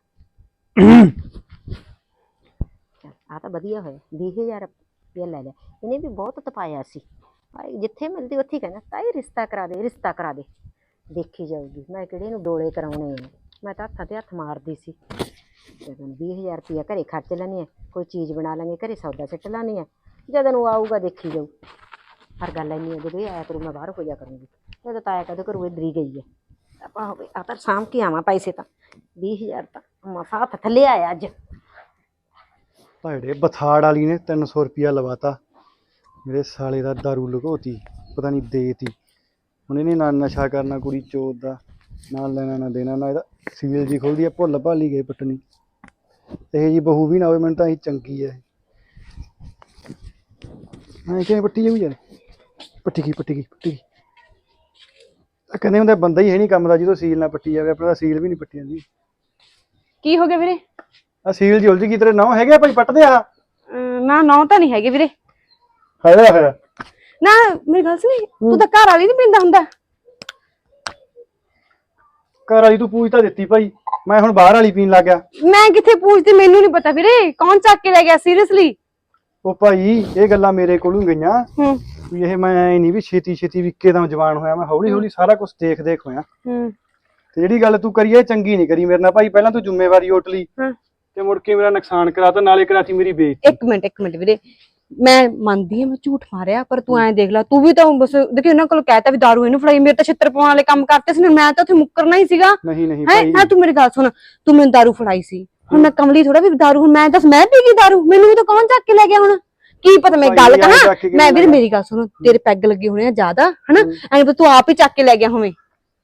ਆ ਤਾਂ ਵਧੀਆ ਹੋਇਆ, 20,000 ਰੁਪਇਆ ਲੈ ਲਿਆ। ਇਹਨੇ ਵੀ ਬਹੁਤ ਤਪਾਇਆ ਸੀ ਭਾਈ, ਜਿੱਥੇ ਮਿਲਦੀ ਉੱਥੇ ਕਹਿੰਦਾ ਤਾਈ ਰਿਸ਼ਤਾ ਕਰਾ ਦੇ, ਰਿਸ਼ਤਾ ਕਰਾ ਦੇ। ਦੇਖੀ ਜਾਊਗੀ, ਮੈਂ ਕਿਹੜੇ ਨੂੰ ਡੋਲੇ ਕਰਾਉਣੇ ਆ। ਮੈਂ ਤਾਂ ਹੱਥਾਂ ਤੇ ਹੱਥ ਮਾਰਦੀ ਸੀ। ਜਦੋਂ 20,000 ਰੁਪਇਆ ਘਰੇ ਖਰਚ ਲੈਣੀ ਹੈ, ਕੋਈ ਚੀਜ਼ ਬਣਾ ਲਾਂਗੇ ਘਰੇ, ਸੌਦਾ ਸਿੱਟ ਲਾਣੀ ਹੈ। ਜਦੋਂ ਨੂੰ ਆਊਗਾ ਦੇਖੀ ਜਾਊ। ਪਰ ਗੱਲ ਇੰਨੀ ਹੈ, ਜਦੋਂ ਇਹ ਆਇਆ ਕਰੂ ਮੈਂ ਬਾਹਰ ਹੋ ਜਾ ਕਰੂੰਗੀ। ਜਦੋਂ ਤਾਇਆ ਕਦੇ ਘਰੋਂ ਇੱਧਰ ਹੀ ਗਈ ਹੈ, ਆਪਾਂ ਹੋਵੇ ਆ ਤਾਂ ਸਾਂਭ ਕੇ ਆਵਾਂ ਪੈਸੇ। ਤਾਂ 20,000 ਤਾਂ ਮਸਾ ਹੱਥ ਥੱਲੇ ਆਇਆ ਅੱਜ।
ਭੈੜੇ ਬਥਾੜ ਵਾਲੀ ਨੇ 300 ਰੁਪਇਆ ਲਵਾਤਾ ਮੇਰੇ ਸਾਲੇ ਦਾ, ਦਾਰੂ ਲੁਕੋਤੀ, ਪਤਾ ਨਹੀਂ ਦੇਤੀ। ਹੁਣ ਇਹਨੇ ਨਾ ਨਸ਼ਾ ਕਰਨਾ ਕੁੜੀ ਚੋਦ ਦਾ, ਨਾ ਲੈਣਾ ਨਾ ਦੇਣਾ, ਨਾ ਇਹਦਾ ਸੀਲ ਜੀ ਖੋਲਦੀ ਆ, ਭੁੱਲ ਭਾਲੀ ਗਏ ਪੱਟਣੀ। ਇਹ ਜੀ ਬਹੂ ਵੀ ਨਾ ਹੋਵੇ, ਮੈਨੂੰ ਤਾਂ ਇਹ ਚੰਗੀ ਹੈ। ਹਾਂ ਕਿਵੇਂ ਪੱਟੀ ਜਾਊ ਯਾਰ, ਪੱਟੀ ਗਈ। ਕਹਿੰਦੇ ਹੁੰਦੇ ਬੰਦਾ ਹੀ ਹੈ ਨਹੀਂ ਕੰਮ ਦਾ ਜਦੋਂ ਸੀਲ ਨਾ ਪੱਟੀ ਜਾਵੇ। ਆਪਣਾ ਸੀਲ ਵੀ ਨਹੀਂ ਪੱਟੀ ਜਾਂਦੀ।
ਕੀ ਹੋ ਗਿਆ ਵੀਰੇ?
ਆ ਸੀਲ ਜੀ ਉਲਝ ਗਈ। ਤੇਰੇ ਨੌ ਹੈਗੇ ਭਾਈ ਪੱਟਦੇ ਆ?
ਨਾ ਨੌ ਤਾਂ ਨਹੀਂ ਹੈਗੇ ਵੀਰੇ।
ਹੈਗਾ
ਨਾ ਮੇਰੀ ਗੱਲ ਸੁਣੀ, ਤੂੰ ਤਾਂ ਘਰ ਵਾਲੀ ਨਹੀਂ ਪੀਂਦਾ ਹੁੰਦਾ?
ਘਰ ਵਾਲੀ ਤੂੰ ਪੂਛ ਤਾਂ ਦਿੱਤੀ ਭਾਈ, ਮੈਂ ਹੁਣ ਬਾਹਰ ਵਾਲੀ ਪੀਣ ਲੱਗ ਗਿਆ।
ਮੈਂ ਕਿੱਥੇ ਪੁੱਛਦੀ, ਮੈਨੂੰ ਨਹੀਂ ਪਤਾ ਵੀਰੇ। ਕੌਣ ਚੱਕ ਕੇ ਲੈ ਗਿਆ ਸੀਰੀਅਸਲੀ?
ਉਹ ਭਾਈ ਇਹ ਗੱਲਾਂ ਮੇਰੇ ਕੋਲੋਂ ਗਈਆਂ
ਹੂੰ
ਵੀ ਇਹ ਮੈਂ ਨਹੀਂ ਵੀ ਛੇਤੀ ਵੀ ਇੱਕੇ ਦਮ ਜਵਾਨ ਹੋਇਆ। ਮੈਂ ਹੌਲੀ ਹੌਲੀ ਸਾਰਾ ਕੁਝ ਦੇਖ ਹੋਇਆ।
ਤੇ ਜਿਹੜੀ ਗੱਲ ਤੂੰ ਕਰੀ ਇਹ ਚੰਗੀ ਨਹੀਂ ਕਰੀ ਮੇਰੇ ਨਾਲ ਭਾਈ। ਪਹਿਲਾਂ ਤੂੰ ਜ਼ਿੰਮੇਵਾਰੀ ਓਟ ਲਈ
ਹਾਂ।
ਤੇ ਮੁੜ ਕੇ ਮੇਰਾ ਨੁਕਸਾਨ ਕਰਾਤਾ, ਨਾਲੇ ਕਰਾਤੀ ਮੇਰੀ ਬੇਇੱਜ਼ਤੀ।
ਇੱਕ ਮਿੰਟ ਵੀਰੇ, ਮੈਂ ਮੰਨਦੀ ਹਾਂ ਮੈਂ ਝੂਠ ਮਾਰਿਆ, ਪਰ ਤੂੰ ਐਂ ਦੇਖ ਲੈ, ਤੂੰ ਵੀ ਤਾਂ ਬਸ ਦੇਖੀ ਉਹਨਾਂ ਕੋਲ ਕਹਿਤਾ ਵੀ ਦਾਰੂ ਇਹਨੂੰ ਫੜਾਈ, ਮੇਰੇ ਤਾਂ ਛਿੱਤਰ ਪਾਉਣ ਵਾਲੇ ਕੰਮ ਕਰਤੇ ਸੀ, ਮੈਂ ਤਾਂ ਉੱਥੇ ਮੁੱਕਰਨਾ ਹੀ ਸੀਗਾ।
ਨਹੀਂ
ਹੈ
ਭਾਈ,
ਤੂੰ ਮੇਰੀ ਗੱਲ ਸੁਣ, ਤੂੰ ਮੈਨੂੰ ਦਾਰੂ ਫੜਾਈ ਸੀ, ਹੁਣ ਮੈਂ ਕਮਲੀ ਥੋੜਾ ਵੀ ਦਾਰੂ, ਹੁਣ ਮੈਂ ਦੱਸ ਮੈਂ ਪੀ ਗਈ ਦਾਰੂ, ਮੈਨੂੰ ਵੀ ਤਾਂ ਕੌਣ ਚੱਕ ਕੇ ਲੈ ਗਿਆ ਹੁਣ? ਕੀ ਪਤਾ ਮੈਂ ਗੱਲ ਕਹਾਂ, ਮੈਂ ਵੀਰੇ ਮੇਰੀ ਗੱਲ ਸੁਣ, ਤੇਰੇ ਪੈਗ ਲੱਗੇ ਹੋਣੇ ਆ ਜ਼ਿਆਦਾ ਹਨਾ, ਐਂ ਤੂੰ ਆਪ ਹੀ ਚੱਕ ਕੇ ਲੈ ਗਿਆ ਹੋਵੇਂ।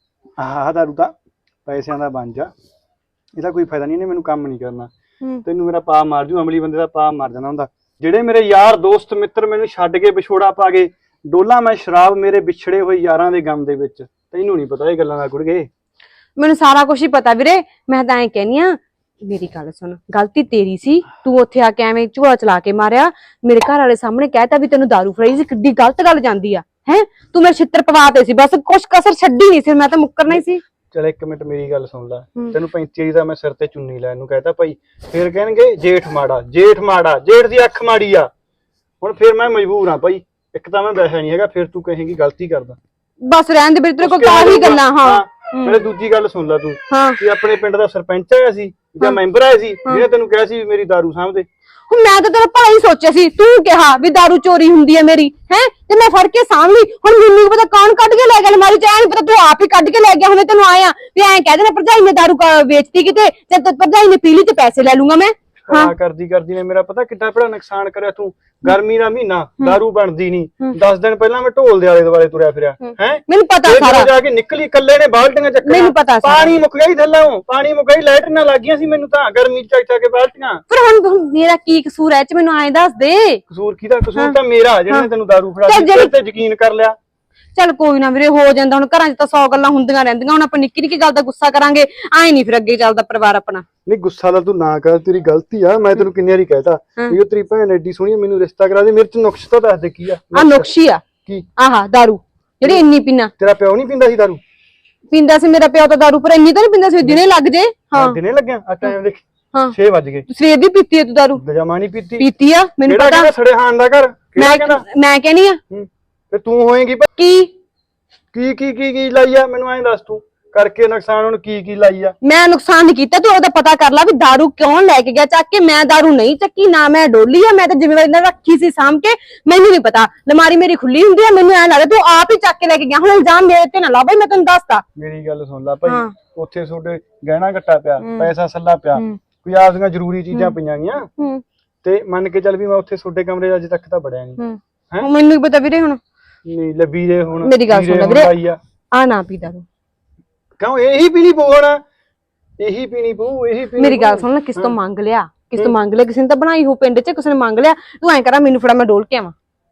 ਆਹ ਦਾਰੂ ਤਾਂ ਪੈਸਿਆਂ ਦਾ ਬਣ ਜਾ, ਇਹਦਾ ਕੋਈ ਫਾਇਦਾ ਨਹੀਂ, ਇਹਨੇ ਮੈਨੂੰ ਕੰਮ ਨਹੀਂ ਕਰਨਾ। ਤੈਨੂੰ ਮੇਰਾ ਪਾ ਮਾਰ ਜੂ, ਅਮਲੀ ਬੰਦੇ ਦਾ ਪਾ ਮਾਰ ਜਾਣਾ ਹੁੰਦਾ। ਜਿਹੜੇ ਮੇਰੇ ਯਾਰ ਦੋਸਤ ਮਿੱਤਰ ਮੈਨੂੰ ਛੱਡ ਕੇ ਵਿਛੋੜਾ ਪਾ ਗਏ, ਡੋਲਾ ਮੈਂ ਸ਼ਰਾਬ ਮੇਰੇ ਵਿਛੜੇ ਹੋਏ ਯਾਰਾਂ ਦੇ ਗਮ ਦੇ ਵਿੱਚ। ਤੈਨੂੰ ਨਹੀਂ ਪਤਾ ਇਹ ਗੱਲਾਂ ਦਾ ਗੁੜਗੇ।
ਮੈਨੂੰ ਸਾਰਾ ਕੁਝ ਹੀ ਪਤਾ ਵੀਰੇ, ਮੈਂ ਤਾਂ ਐਂ ਕਹਿਨੀ ਆ, ਮੇਰੀ ਗੱਲ ਸੁਣ, ਗਲਤੀ ਤੇਰੀ ਸੀ, ਤੂੰ ਉੱਥੇ ਆ ਕੇ ਐਵੇਂ ਝੋਲਾ ਚਲਾ ਕੇ ਮਾਰਿਆ, ਮੇਰੇ ਘਰ ਵਾਲੇ ਸਾਹਮਣੇ ਕਹਿਤਾ ਵੀ ਤੈਨੂੰ ਦਾਰੂ ਫੜਾਈ ਸੀ, ਕਿੱਡੀ ਗਲਤ ਗੱਲ ਜਾਂਦੀ ਆ ਹੈ। ਤੂੰ ਮੇਰੇ ਛਿੱਤਰ ਪਵਾਤੇ ਸੀ, ਬਸ ਕੁਛ ਕਸਰ ਛੱਡੀ ਨਹੀਂ ਸੀ, ਮੈਂ ਤਾਂ ਮੁੱਕਰਨਾ ਹੀ ਸੀ।
ਚਲ ਇੱਕ ਮਿੰਟ ਮੇਰੀ ਗੱਲ ਸੁਣ ਲੈ, ਤੈਨੂੰ 35 ਦਾ ਮੈਂ ਸਿਰ ਤੇ ਚੁੰਨੀ ਲੈਣ ਨੂੰ ਕਹਿਤਾ ਭਾਈ, ਫਿਰ ਕਹਿਣਗੇ ਜੇਠ ਮਾੜਾ, ਜੇਠ ਮਾੜਾ, ਜੇਠ ਦੀ ਅੱਖ ਮਾੜੀ ਆ। ਹੁਣ ਫਿਰ ਮੈਂ ਮਜਬੂਰ ਆ ਭਾਈ, ਇੱਕ ਤਾਂ ਮੈਂ ਵੈਸਾ ਨਹੀਂ ਹੈਗਾ, ਫਿਰ ਤੂੰ ਕਹੇਂਗੀ ਗਲਤੀ ਕਰਦਾ।
ਬਸ ਰਹਿਣ ਦੇ ਵੀਰੇ, ਤੇਰੇ ਕੋਲ ਕਾਹੀ ਗੱਲਾਂ। ਹਾਂ
ਮੇਰੇ ਦੂਜੀ ਗੱਲ ਸੁਣ ਲੈ ਤੂੰ,
ਹਾਂ
ਕਿ ਆਪਣੇ ਪਿੰਡ ਦਾ ਸਰਪੰਚ ਆਇਆ ਸੀ ਜਾਂ ਮੈਂਬਰ ਆਇਆ ਸੀ ਜਿਹਨੇ ਤੈਨੂੰ ਕਿਹਾ ਸੀ ਵੀ ਮੇਰੀ ਦਾਰੂ ਸਾਂਭਦੇ।
ਹੁਣ ਮੈਂ ਤਾਂ ਤੇਰਾ ਭਲਾ ਹੀ ਸੋਚਿਆ ਸੀ, ਤੂੰ ਕਿਹਾ ਵੀ ਦਾਰੂ ਚੋਰੀ ਹੁੰਦੀ ਹੈ ਮੇਰੀ, ਹੈ ਤੇ ਮੈਂ ਫੜ ਕੇ ਸਾਂਭ ਲਈ। ਹੁਣ ਮੈਨੂੰ ਨੀ ਪਤਾ ਕੌਣ ਕੱਢ ਕੇ ਲੈ ਗਿਆ ਅਲਮਾਰੀ ਚ, ਐ ਨੀ ਪਤਾ ਤੂੰ ਆਪ ਹੀ ਕੱਢ ਕੇ ਲੈ ਗਿਆ, ਹੁਣੇ ਤੈਨੂੰ ਆਇਆ ਵੀ ਐਂ ਕਹਿ ਦੇਣਾ ਭਰਜਾਈ ਨੇ ਦਾਰੂ ਵੇਚਤੀ ਕਿਤੇ, ਤੇ ਭਰਜਾਈ ਨੇ ਪੀ ਲਈ ਤੇ ਪੈਸੇ ਲੈ ਲੂੰਗਾ ਮੈਂ।
ਹਾਂ ਕਰਦੀ ਨੇ ਮੇਰਾ ਪਤਾ ਕਿੱਡਾ ਬੜਾ ਨੁਕਸਾਨ ਕਰਿਆ ਤੂੰ। ਗਰਮੀ ਦਾ ਮਹੀਨਾ, ਦਾਰੂ ਬਣਦੀ ਨਹੀਂ, 10 ਦਿਨ ਪਹਿਲਾਂ ਮੈਂ ਢੋਲ ਦੇ ਆਲੇ ਦੁਆਲੇ ਤੁਰਿਆ ਫਿਰਿਆ ਹੈ।
ਮੈਨੂੰ ਪਤਾ ਸਾਰਾ,
ਜਾ ਕੇ ਨਿਕਲੀ ਇਕੱਲੇ ਨੇ ਬਾਲਟੀਆਂ ਚੱਕਣਾ,
ਮੈਨੂੰ ਪਤਾ ਸਾਰਾ।
ਪਾਣੀ ਮੁੱਕ ਗਿਆ ਥੱਲੋਂ, ਪਾਣੀ ਮੁੱਕ ਗਈ, ਲਾਈਟਾਂ ਲੱਗੀਆਂ ਸੀ ਮੈਨੂੰ ਤਾਂ ਗਰਮੀ ਚ ਚੱਕ ਕੇ ਬਾਲਟੀਆਂ।
ਪਰ ਹੁਣ ਮੇਰਾ ਕੀ ਕਸੂਰ ਐ ਚ, ਮੈਨੂੰ ਐਂ ਦੱਸ ਦੇ।
ਕਸੂਰ ਕਿਹਦਾ? ਕਸੂਰ ਤਾਂ ਮੇਰਾ, ਜਿਹਨੇ ਤੈਨੂੰ ਦਾਰੂ ਫੜਾ ਦਿੱਤੀ ਤੇ ਯਕੀਨ ਕਰ ਲਿਆ।
ਚੱਲ ਕੋਈ ਨਾ ਵੀਰੇ, ਹੋ ਜਾਂਦਾ, ਹੁਣ ਘਰਾਂ 'ਚ ਤਾਂ 100 ਗੱਲਾਂ ਹੁੰਦੀਆਂ ਰਹਿੰਦੀਆਂ, ਹੁਣ ਆਪਾਂ ਨਿੱਕੀ ਨਿੱਕੀ ਗੱਲ ਦਾ ਗੁੱਸਾ ਕਰਾਂਗੇ, ਐਂ ਨਹੀਂ ਫਿਰ ਅੱਗੇ ਚੱਲਦਾ ਪਰਿਵਾਰ ਆਪਣਾ।
ਨਹੀਂ ਗੁੱਸਾ ਤਾਂ ਤੂੰ ਨਾ ਕਰ, ਤੇਰੀ ਗਲਤੀ ਆ। ਮੈਂ ਤੈਨੂੰ ਕਿੰਨੀ ਵਾਰੀ ਕਹਿਤਾ ਵੀ ਉਹ ਤੇਰੀ ਭੈਣ ਐਡੀ ਸੋਹਣੀ, ਮੈਨੂੰ ਰਿਸ਼ਤਾ ਕਰਾ ਦੇ। ਮੇਰੇ ਚ ਨੁਕਸ ਤਾਂ ਦੱਸ ਦੇ ਕੀ ਆ।
ਆ ਨੁਕਸ਼ੀ ਆ
ਕੀ?
ਆਹਾ ਦਾਰੂ ਜਿਹੜੀ ਇੰਨੀ ਪੀਣਾ।
ਤੇਰਾ ਪਿਓ ਨਹੀਂ ਪੀਂਦਾ ਸੀ ਦਾਰੂ?
ਪੀਂਦਾ ਸੀ ਮੇਰਾ ਪਿਓ ਤਾਂ ਦਾਰੂ, ਪਰ ਇੰਨੀ ਤਾਂ ਨਹੀਂ ਪੀਂਦਾ ਸੀ ਦਿਨੇ ਲੱਗ ਜੇ। ਹਾਂ
ਦਿਨੇ ਲੱਗਿਆ ਆ ਟਾਈਮ ਦੇਖ,
ਹਾਂ
6 ਵਜ ਗਏ।
ਸਵੇਰ ਦੀ ਪੀਤੀ ਐ ਤੂੰ ਦਾਰੂ?
ਜਮਾ ਨਹੀਂ ਪੀਤੀ।
ਪੀਤੀ ਆ, ਮੈਨੂੰ
ਕਿਹੜਾ
ਪਤਾ।
ਕਹਿੰਦਾ ਸੜੇ ਹਾਨ ਦਾ ਘਰ? ਕਿਹੜਾ ਕਹਿੰਦਾ?
ਮੈਂ ਕਹਿਨੀ ਆ
ਤੇ ਤੂੰ ਹੋਏਗੀ
ਕੀ
ਕੀ ਲਾਈ ਆ? ਮੈਨੂੰ ਐਂ ਦੱਸ ਤੂੰ ਕਰਕੇ ਨੁਕਸਾਨ ਹੁਣ ਕੀ ਲਾਈ ਆ?
ਮੈਂ ਨੁਕਸਾਨ ਨਹੀਂ ਕੀਤਾ, ਤੂੰ ਉਹਦਾ ਪਤਾ ਕਰ ਲੈ ਵੀ ਦਾਰੂ ਕਿਉਂ ਲੈ ਕੇ ਗਿਆ ਚੱਕ ਕੇ। ਮੈਂ ਦਾਰੂ ਨਹੀਂ ਚੱਕੀ, ਨਾ ਮੈਂ ਡੋਲੀ ਆ, ਮੈਂ ਤਾਂ ਜ਼ਿੰਮੇਵਾਰੀ ਨਾਲ ਰੱਖੀ ਸੀ ਸਾਂਭ ਕੇ। ਮੈਨੂੰ ਨਹੀਂ ਪਤਾ, ਅਲਮਾਰੀ ਮੇਰੀ ਖੁੱਲੀ ਹੁੰਦੀ ਆ, ਮੈਨੂੰ ਐਂ ਲੱਗਦਾ ਤੂੰ ਆਪ ਹੀ ਚੱਕ ਕੇ ਲੈ ਕੇ ਗਿਆ। ਹੁਣ ਇਲਜ਼ਾਮ ਮੇਰੇ ਤੇ ਨਾ ਲਾ ਬਈ, ਮੈਂ ਤੈਨੂੰ ਦੱਸਦਾ।
ਮੇਰੀ ਗੱਲ ਸੁਣ ਲੈ ਭਾਈ, ਉੱਥੇ ਤੁਹਾਡੇ ਗਹਿਣਾ ਘੱਟਾ ਪਿਆ, ਪੈਸਾ ਸੱਲਾ ਪਿਆ, ਕੋਈ ਆਪਦੀਆਂ ਜ਼ਰੂਰੀ ਚੀਜ਼ਾਂ ਪਈਆਂ ਗੀਆਂ, ਤੇ ਮੰਨ ਕੇ ਚੱਲ ਵੀ ਮੈਂ ਉੱਥੇ ਤੁਹਾਡੇ ਕਮਰੇ ਅਜੇ ਤੱਕ ਤਾਂ ਵੜਿਆ ਨਹੀਂ।
ਮੈਨੂੰ ਵੀ ਪਤਾ ਵੀਰੇ, ਹੁਣ
ਨਹੀਂ ਲੱਭੀ ਦੇ ਹੁਣ।
ਮੇਰੀ ਗੱਲ ਸੁਣ ਲੈ ਵੀਰੇ, ਆ ਨਾ ਪੀ ਦਾਰੂ।
ਕਿਉਂ? ਇਹੀ ਪੀਣੀ ਪਊ ਹੁਣ, ਇਹੀ ਪੀਣੀ ਪਊ, ਇਹੀ ਪੀਣੀ।
ਮੇਰੀ ਗੱਲ ਸੁਣ ਲੈ, ਕਿਸ ਤੋਂ ਮੰਗ ਲਿਆ? ਕਿਸੇ ਨੇ ਤਾਂ ਬਣਾਈ ਹੋ ਪਿੰਡ 'ਚ, ਕਿਸੇ ਨੇ ਮੰਗ ਲਿਆ। ਤੂੰ ਐਂ ਕਰਾਂ, ਮੈਨੂੰ ਫੜਾ, ਮੈਂ ਡੋਲ ਕੇ ਆਵਾਂ।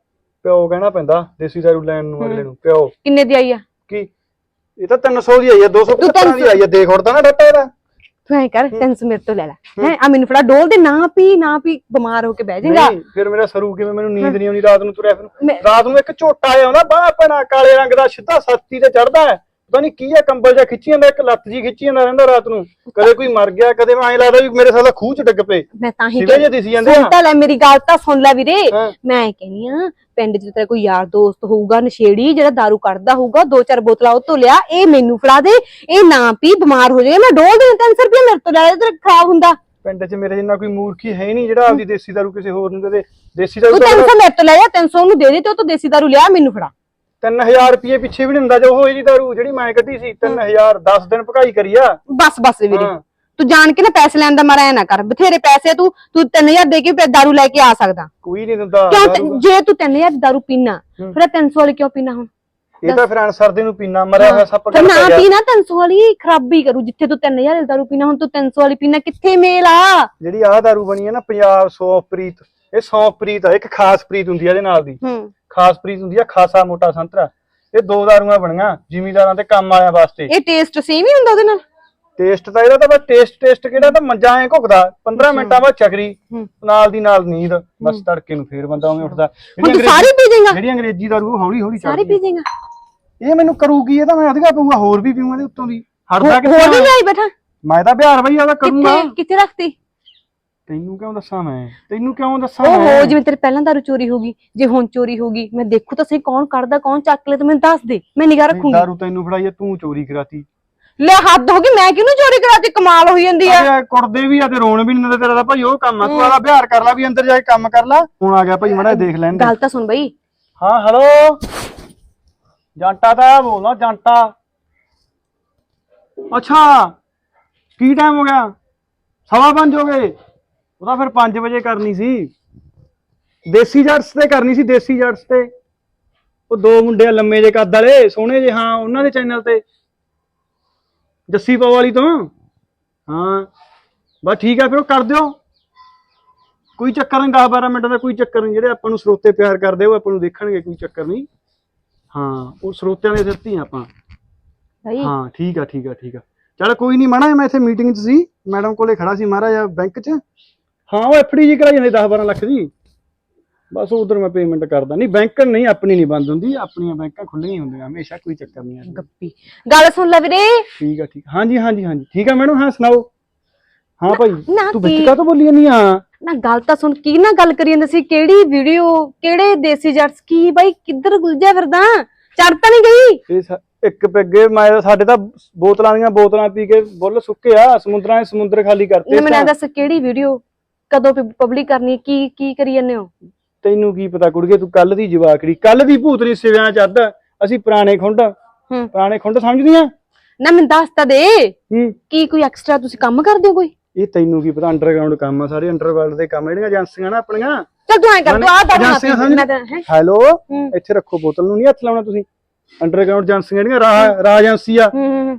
ਪਿਓ ਕਹਿਣਾ ਪੈਂਦਾ ਦੇਸੀ ਦਾਰੂ ਲੈਣ ਨੂੰ ਅਗਲੇ ਨੂੰ। ਪਿਓ
ਕਿੰਨੇ ਦੀ ਆਈ ਆ?
ਕੀ ਇਹ ਤਾਂ 300 ਦੀ ਆਈ ਆ, 250 ਦੀ ਆਈ ਆ। ਦੇਖ ਉੜਦਾ ਨਾ ਡੱਟਾ ਇਹਦਾ।
ਤੂੰ ਐਂ ਕਰ, 300 ਮੇਰੇ ਤੋਂ ਲੈ ਲੈ, ਹੈ ਆ ਮੈਨੂੰ ਫੜਾ, ਡੋਲ ਦੇ। ਨਾ ਪੀ, ਬਿਮਾਰ ਹੋ ਕੇ ਬਹਿ ਜਾਏਗਾ।
ਨਹੀਂ ਫਿਰ ਮੇਰਾ ਸਰੂ ਕਿਵੇਂ? ਮੈਨੂੰ ਨੀਂਦ ਨਹੀਂ ਆਉਂਦੀ ਰਾਤ ਨੂੰ, ਤੁਰਿਆ ਫਿਰ ਰਾਤ ਨੂੰ ਇੱਕ ਝੋਟਾ ਆਇਆ ਹੁੰਦਾ ਬਾਹ ਪੈਣਾ, ਕਾਲੇ ਰੰਗ ਦਾ, ਸਿੱਧਾ ਛਾਤੀ ਤੇ ਚੜਦਾ ਹੈ, ਪਤਾ ਨਹੀਂ ਕੀ ਆ, ਕੰਬਲ ਜਿਹਾ ਖਿੱਚੀ ਜਾਂਦਾ, ਇੱਕ ਲੱਤ ਜੀ ਖਿੱਚੀ ਜਾਂਦਾ ਰਹਿੰਦਾ ਰਾਤ ਨੂੰ। ਕਦੇ ਕੋਈ ਮਰ ਗਿਆ, ਕਦੇ ਮੈਂ ਐਂ ਲੱਗਦਾ ਵੀ ਮੇਰੇ ਸਾਲਾ ਖੂਹ ਚ ਡਿੱਗ ਪਏ।
ਮੈਂ ਤਾਂ ਹੀ
ਸਿਵੇ ਜੇ ਦਿਸੀ ਜਾਂਦੇ ਆ।
ਸੁਣ ਤਾਂ ਲੈ ਮੇਰੀ ਗੱਲ, ਤਾਂ ਸੁਣ ਲੈ ਵੀਰੇ। ਮੈਂ ਕਹਿੰਦੀ ਆ, ਪਿੰਡ 'ਚ ਤੇਰਾ ਕੋਈ ਯਾਰ ਦੋਸਤ ਹੋਊਗਾ ਨਸ਼ੇੜੀ, ਜਿਹੜਾ ਦਾਰੂ ਕੱਢਦਾ ਹੋਊਗਾ, 2-4 ਬੋਤਲਾਂ ਉਹ ਤੋਂ ਲਿਆ, ਇਹ ਮੈਨੂੰ ਫੜਾ ਦੇ, ਇਹ ਨਾ ਪੀ, ਬਿਮਾਰ ਹੋ ਜਾਏਗਾ। ਮੈਂ ਡੋਲ ਦੇ 300 ਰੁਪਏ ਮੇਰੇ ਤੋਂ ਲੈ ਲੈ, ਤੇਰਾ ਖਰਾਬ ਹੁੰਦਾ।
ਪਿੰਡ 'ਚ ਮੇਰੇ ਜਿੰਨਾ ਕੋਈ ਮੂਰਖੀ ਹੈ ਨਹੀਂ ਜਿਹੜਾ ਆਪਦੀ ਦੇਸੀ ਦਾਰੂ ਕਿਸੇ ਹੋਰ ਨੂੰ ਦੇ। ਦੇਸੀ ਦਾਰੂ
ਤੂੰ 300 ਮੇਰੇ ਤੋਂ ਲੈ ਜਾ, 300 ਉਹਨੂੰ ਦੇ ਦੇ, ਤੇ ਉਹ ਤੋਂ ਦੇਸੀ ਦਾਰੂ ਲਿਆ, ਮੈਨੂੰ ਫੜਾ।
3000 ਰੁਪਏ ਪਿੱਛੇ ਵੀ ਨਹੀਂ ਹੁੰਦਾ ਜੋ ਉਹ ਇਹਦੀ ਦਾਰੂ ਜਿਹੜੀ ਮੈਂ ਕੱਢੀ ਸੀ। 3000 10 ਦਿਨ ਭਕਾਈ ਕਰੀ ਆ।
ਬਸ ਵੀਰੇ, ਤੂੰ ਜਾਣ ਕੇ ਨਾ ਪੈਸੇ ਲੈਣ ਦਾ ਮਾਰਾ ਐ ਨਾ ਕਰ। ਬਥੇਰੇ ਪੈਸੇ, ਤੂੰ 3000 ਦੇ ਕੇ ਦਾਰੂ ਲੈ ਕੇ ਆ ਸਕਦਾ।
ਕੋਈ ਨਹੀਂ ਦਿੰਦਾ।
ਕਿਉਂ? ਜੇ ਤੂੰ 3000 ਦੀ ਦਾਰੂ ਪੀਣਾ, ਫਿਰ 300 ਵਾਲੀ ਕਿਉਂ ਪੀਣਾ? ਹੁਣ
ਇਹ ਤਾਂ ਫਿਰ ਸਰਦੇ ਨੂੰ ਪੀਣਾ, ਮਰਿਆ ਹੋਇਆ ਸੱਪ
ਨਾ ਪੀਣਾ, 300 ਵਾਲੀ ਖਰਾਬੀ ਕਰੂ। ਜਿੱਥੇ ਤੂੰ 3000 ਦੀ ਦਾਰੂ ਪੀਣਾ, ਹੁਣ ਤੂੰ 300 ਵਾਲੀ ਪੀਣਾ, ਕਿੱਥੇ ਮੇਲ ਆ?
ਜਿਹੜੀ ਆਹ ਦਾਰੂ ਬਣੀ ਹੈ ਨਾ ਪੰਜਾਬ ਸੌਂਫਪ੍ਰੀਤ, ਇਹ ਸੌਂਫਪ੍ਰੀਤ ਆ, ਇੱਕ ਖਾਸ ਪ੍ਰੀਤ ਹੁੰਦੀ ਆ ਇਹਦੇ ਨਾਲ ਦੀ। ਖਾਸ ਪ੍ਰੀਤ ਹੁੰਦੀ ਆ, ਖਾਸਾ ਮੋਟਾ ਸੰਤਰਾ। ਇਹ 2 ਦਾਰੂਆਂ ਬਣੀਆਂ ਜ਼ਿਮੀਦਾਰਾਂ ਤੇ ਕੰਮ ਵਾਲਿਆਂ ਵਾਸਤੇ।
ਇਹ ਟੇਸਟ ਸੇਮ ਹੀ ਹੁੰਦਾ ਉਹਦੇ ਨਾਲ?
ਟੇਸਟ ਤਾਂ ਇਹਦਾ ਤਾਂ ਬਸ ਟੇਸਟ ਕਿਹੜਾ, ਤਾਂ ਮੰਜਾ ਐ ਘੁੱਕਦਾ, 15 ਮਿੰਟਾਂ ਬਾਅਦ ਚੱਕਰੀ, ਨਾਲ ਦੀ ਨਾਲ ਨੀਂਦ, ਬਸ ਤੜਕੇ ਨੂੰ ਫੇਰ ਬੰਦਾ ਉਵੇਂ ਉੱਠਦਾ।
ਸਾਰੀ ਪੀ ਜਾਏਗਾ?
ਜਿਹੜੀ ਅੰਗਰੇਜ਼ੀ ਦਾਰੂ ਹੌਲੀ ਹੌਲੀ
ਸਾਰੀ ਪੀ ਜਾਏਗਾ?
ਇਹ ਮੈਨੂੰ ਕਰੂਗੀ, ਇਹ ਤਾਂ ਮੈਂ ਅਧਿਕਾ ਪਊਗਾ, ਹੋਰ ਵੀ ਪੀਊਂਗਾ ਇਹਦੇ ਉੱਤੋਂ ਦੀ। ਹਟਦਾ
ਕਿੱਥੇ? ਹੋਰ ਵੀ ਲਿਆਈ ਬੈਠਾ?
ਮੈਂ ਤਾਂ ਬਿਹਾਰ ਬਈ ਆਦਾ ਕਰੂੰਗਾ।
ਕਿੱਥੇ ਰੱਖਤੀ?
ਤੈਨੂੰ ਕਿਉਂ ਦੱਸਾਂ ਮੈਂ?
ਓਹੋ, ਜਿਵੇਂ ਤੇਰੇ ਪਹਿਲਾਂ ਦਾਰੂ ਚੋਰੀ ਹੋਗੀ, ਜੇ ਹੁਣ ਚੋਰੀ ਹੋਗੀ, ਮੈਂ ਦੇਖੂ ਤਾਂ ਸਹੀ ਕੌਣ ਕੱਢਦਾ, ਕੌਣ ਚੱਕ ਲੈ, ਤੂੰ ਮੈਨੂੰ ਦੱਸ ਦੇ, ਮੈਂ ਨਿਗਾਹ ਰੱਖੂੰਗੀ।
ਦਾਰੂ ਤੈਨੂੰ ਫੜਾਈ, ਤੂੰ ਚੋਰੀ ਕਰਾਤੀ।
ਲੈ ਹੱਦ ਹੋ ਗਈ, ਮੈਂ ਕਿਹਨੂੰ ਚੋਰੀ ਕਰਾਤੀ? ਕਮਾਲ ਹੋਈ ਜਾਂਦੀ ਆ।
ਅਰੇ ਕੁੜਦੇ ਵੀ ਆ ਤੇ ਰੋਣ ਵੀ ਨਹੀਂ ਦਿੰਦੇ, ਤੇਰਾ ਤਾਂ ਭਾਈ ਉਹ ਕੰਮ ਆ। ਤੂੰ ਆਦਾ ਬਿਹਾਰ ਕਰ ਲੈ ਵੀ ਅੰਦਰ ਜਾ ਕੇ ਕੰਮ ਕਰ ਲੈ। ਹੁਣ ਆ ਗਿਆ ਭਾਈ, ਮੜਾ ਦੇਖ ਲੈਣ ਦੇ।
ਗੱਲ ਤਾਂ ਸੁਣ ਬਈ।
ਹਾਂ ਹੈਲੋ, ਜਾਂਟਾ ਤਾਂ ਬੋਲਦਾ, ਜਾਂਟਾ। ਅੱਛਾ ਕੀ ਟਾਈਮ ਹੋ ਗਿਆ? 5:15 ਹੋ ਗਏ। ਉਹਦਾ ਫਿਰ 5 ਵਜੇ ਕਰਨੀ ਸੀ। ਦੇਸੀ ਜੱਟਸ ਤੇ ਕਰਨੀ ਸੀ, ਦੇਸੀ ਜੱਟਸ ਤੇ। ਉਹ 2 ਮੁੰਡੇ ਆ ਲੰਮੇ ਜੇ ਕੱਦ ਵਾਲੇ, ਸੋਹਣੇ ਜੇ, ਹਾਂ ਉਹਨਾਂ ਦੇ ਚੈਨਲ ਤੇ, ਜੱਸੀ ਪਾਓ ਵਾਲੀ ਤੋਂ। ਹਾਂ ਬਸ ਠੀਕ ਆ, ਫਿਰ ਉਹ ਕਰ ਦਿਓ, ਕੋਈ ਚੱਕਰ ਨਹੀਂ। 10-12 ਮਿੰਟ ਦਾ ਕੋਈ ਚੱਕਰ ਨਹੀਂ। ਜਿਹੜੇ ਆਪਾਂ ਨੂੰ ਸਰੋਤੇ ਪਿਆਰ ਕਰਦੇ ਉਹ ਆਪਾਂ ਨੂੰ ਦੇਖਣਗੇ, ਕੋਈ ਚੱਕਰ ਨਹੀਂ। ਹਾਂ ਉਹ ਸਰੋਤਿਆਂ ਦੇ ਸਿਰ ਤੇ ਹੀ ਆਪਾਂ।
ਬਈ
ਹਾਂ ਠੀਕ ਆ ਠੀਕ ਆ ਠੀਕ ਆ, ਚੱਲ ਕੋਈ ਨਹੀਂ। ਮਾਣਾ ਮੈਂ ਇੱਥੇ ਮੀਟਿੰਗ 'ਚ ਸੀ, ਮੈਡਮ ਕੋਲੇ ਖੜਾ ਸੀ ਮਹਾਰਾਜਾ ਬੈਂਕ 'ਚ। ਹਾਂ ਉਹ ਐਫਡੀ ਜੀ ਕਰਾਈ ਜਾਂਦੇ 10-12 ਲੱਖ ਦੀ। ਬਸ ਉਧਰ ਮੈਂ ਪੇਮੈਂਟ ਕਰਦਾ। ਨਹੀਂ ਬੈਂਕ ਨਹੀਂ, ਆਪਣੀ ਨਹੀਂ ਬੰਦ ਹੁੰਦੀ, ਆਪਣੀਆਂ ਬੈਂਕਾਂ ਖੁੱਲੀਆਂ ਹੁੰਦੀਆਂ ਹਮੇਸ਼ਾ, ਕੋਈ ਚੱਕਰ ਨਹੀਂ ਹੈ।
ਗੱਪੀ ਗੱਲ ਸੁਣ ਲੈ ਵੀਰੇ।
ਠੀਕ ਆ ਠੀਕ, ਹਾਂਜੀ ਹਾਂਜੀ ਹਾਂਜੀ ਠੀਕ ਆ ਮੈਡਮ। ਹਾਂ ਸੁਣਾਓ। ਹਾਂ ਭਾਈ
ਨਾ
ਤੂੰ ਵਿੱਚ
ਕੀ-
ਕਾਹਤੋਂ ਬੋਲੀ ਜਾਂਦੀ ਆ?
ਨਾ ਗੱਲ ਤਾਂ ਸੁਣ, ਕੀ ਨਾ ਗੱਲ ਕਰੀ ਜਾਂਦੇ ਸੀ? ਕਿਹੜੀ ਵੀਡੀਓ, ਕਿਹੜੇ ਦੇਸੀ ਜੱਟਸ? ਕੀ ਬਾਈ ਕਿੱਧਰ ਗੁਲਜਿਆ ਫਿਰਦਾ? ਚੜ ਤਾਂ ਨਹੀਂ ਗਈ?
ਇਹ ਇੱਕ ਪੈਗੇ ਮੈਂ ਸਾਡੇ ਤਾਂ ਬੋਤਲਾਂ ਦੀਆਂ ਬੋਤਲਾਂ ਪੀ ਕੇ ਬੁੱਲ ਸੁੱਕੇ ਆ, ਸਮੁੰਦਰਾਂ ਦੇ ਸਮੁੰਦਰ ਖਾਲੀ ਕਰਤੇ।
ਨਾ ਮੈਨੂੰ ਦੱਸ ਕਿਹੜੀ ਵੀਡੀਓ, ਕਦੋਂ ਪਬਲਿਕ ਕਰਨੀ, ਕੀ ਕਰੀ ਜਾਂਦੇ ਹੋ?
ਤੈਨੂੰ ਕੀ ਪਤਾ ਕੁੜੀਏ, ਤੂੰ ਕੱਲ ਦੀ ਜਵਾਕੜੀ, ਕੱਲ ਦੀ ਭੂਤਰੀ ਸਿਵਿਆਂ ਚ ਅੱਧ। ਅਸੀਂ ਪੁਰਾਣੇ ਖੁੰਡ ਸਮਝਦੀਆਂ।
ਨਾ ਮੈਨੂੰ ਦੱਸ ਤਾਂ ਦੇ,
ਹੂੰ
ਕੀ ਕੋਈ ਐਕਸਟਰਾ ਤੁਸੀਂ ਕੰਮ ਕਰਦੇ ਹੋ ਕੋਈ?
ਇਹ ਤੈਨੂੰ ਕੀ ਪਤਾ, ਅੰਡਰਗਰਾਉਂਡ ਕੰਮ ਆ ਸਾਰੇ, ਅੰਡਰਵਰਲਡ ਦੇ ਕੰਮ, ਜਿਹੜੀਆਂ ਏਜੰਸੀਆਂ ਨਾ ਆਪਣੀਆਂ।
ਚੱਲ ਤੂੰ ਐਂ ਕਰ, ਤੂੰ ਆਹ ਦੱਸ
ਏਜੰਸੀਆਂ ਸਮਝ।
ਮੈਂ ਤਾਂ ਹੈ।
ਹੈਲੋ, ਇੱਥੇ ਰੱਖੋ ਬੋਤਲ ਨੂੰ, ਨਹੀਂ ਹੱਥ ਲਾਉਣਾ ਤੁਸੀਂ। ਅੰਡਰਗਰਾਉਂਡ ਏਜੰਸੀਆਂ ਜਿਹੜੀਆਂ, ਰਾਹ ਏਜੰਸੀ ਆ।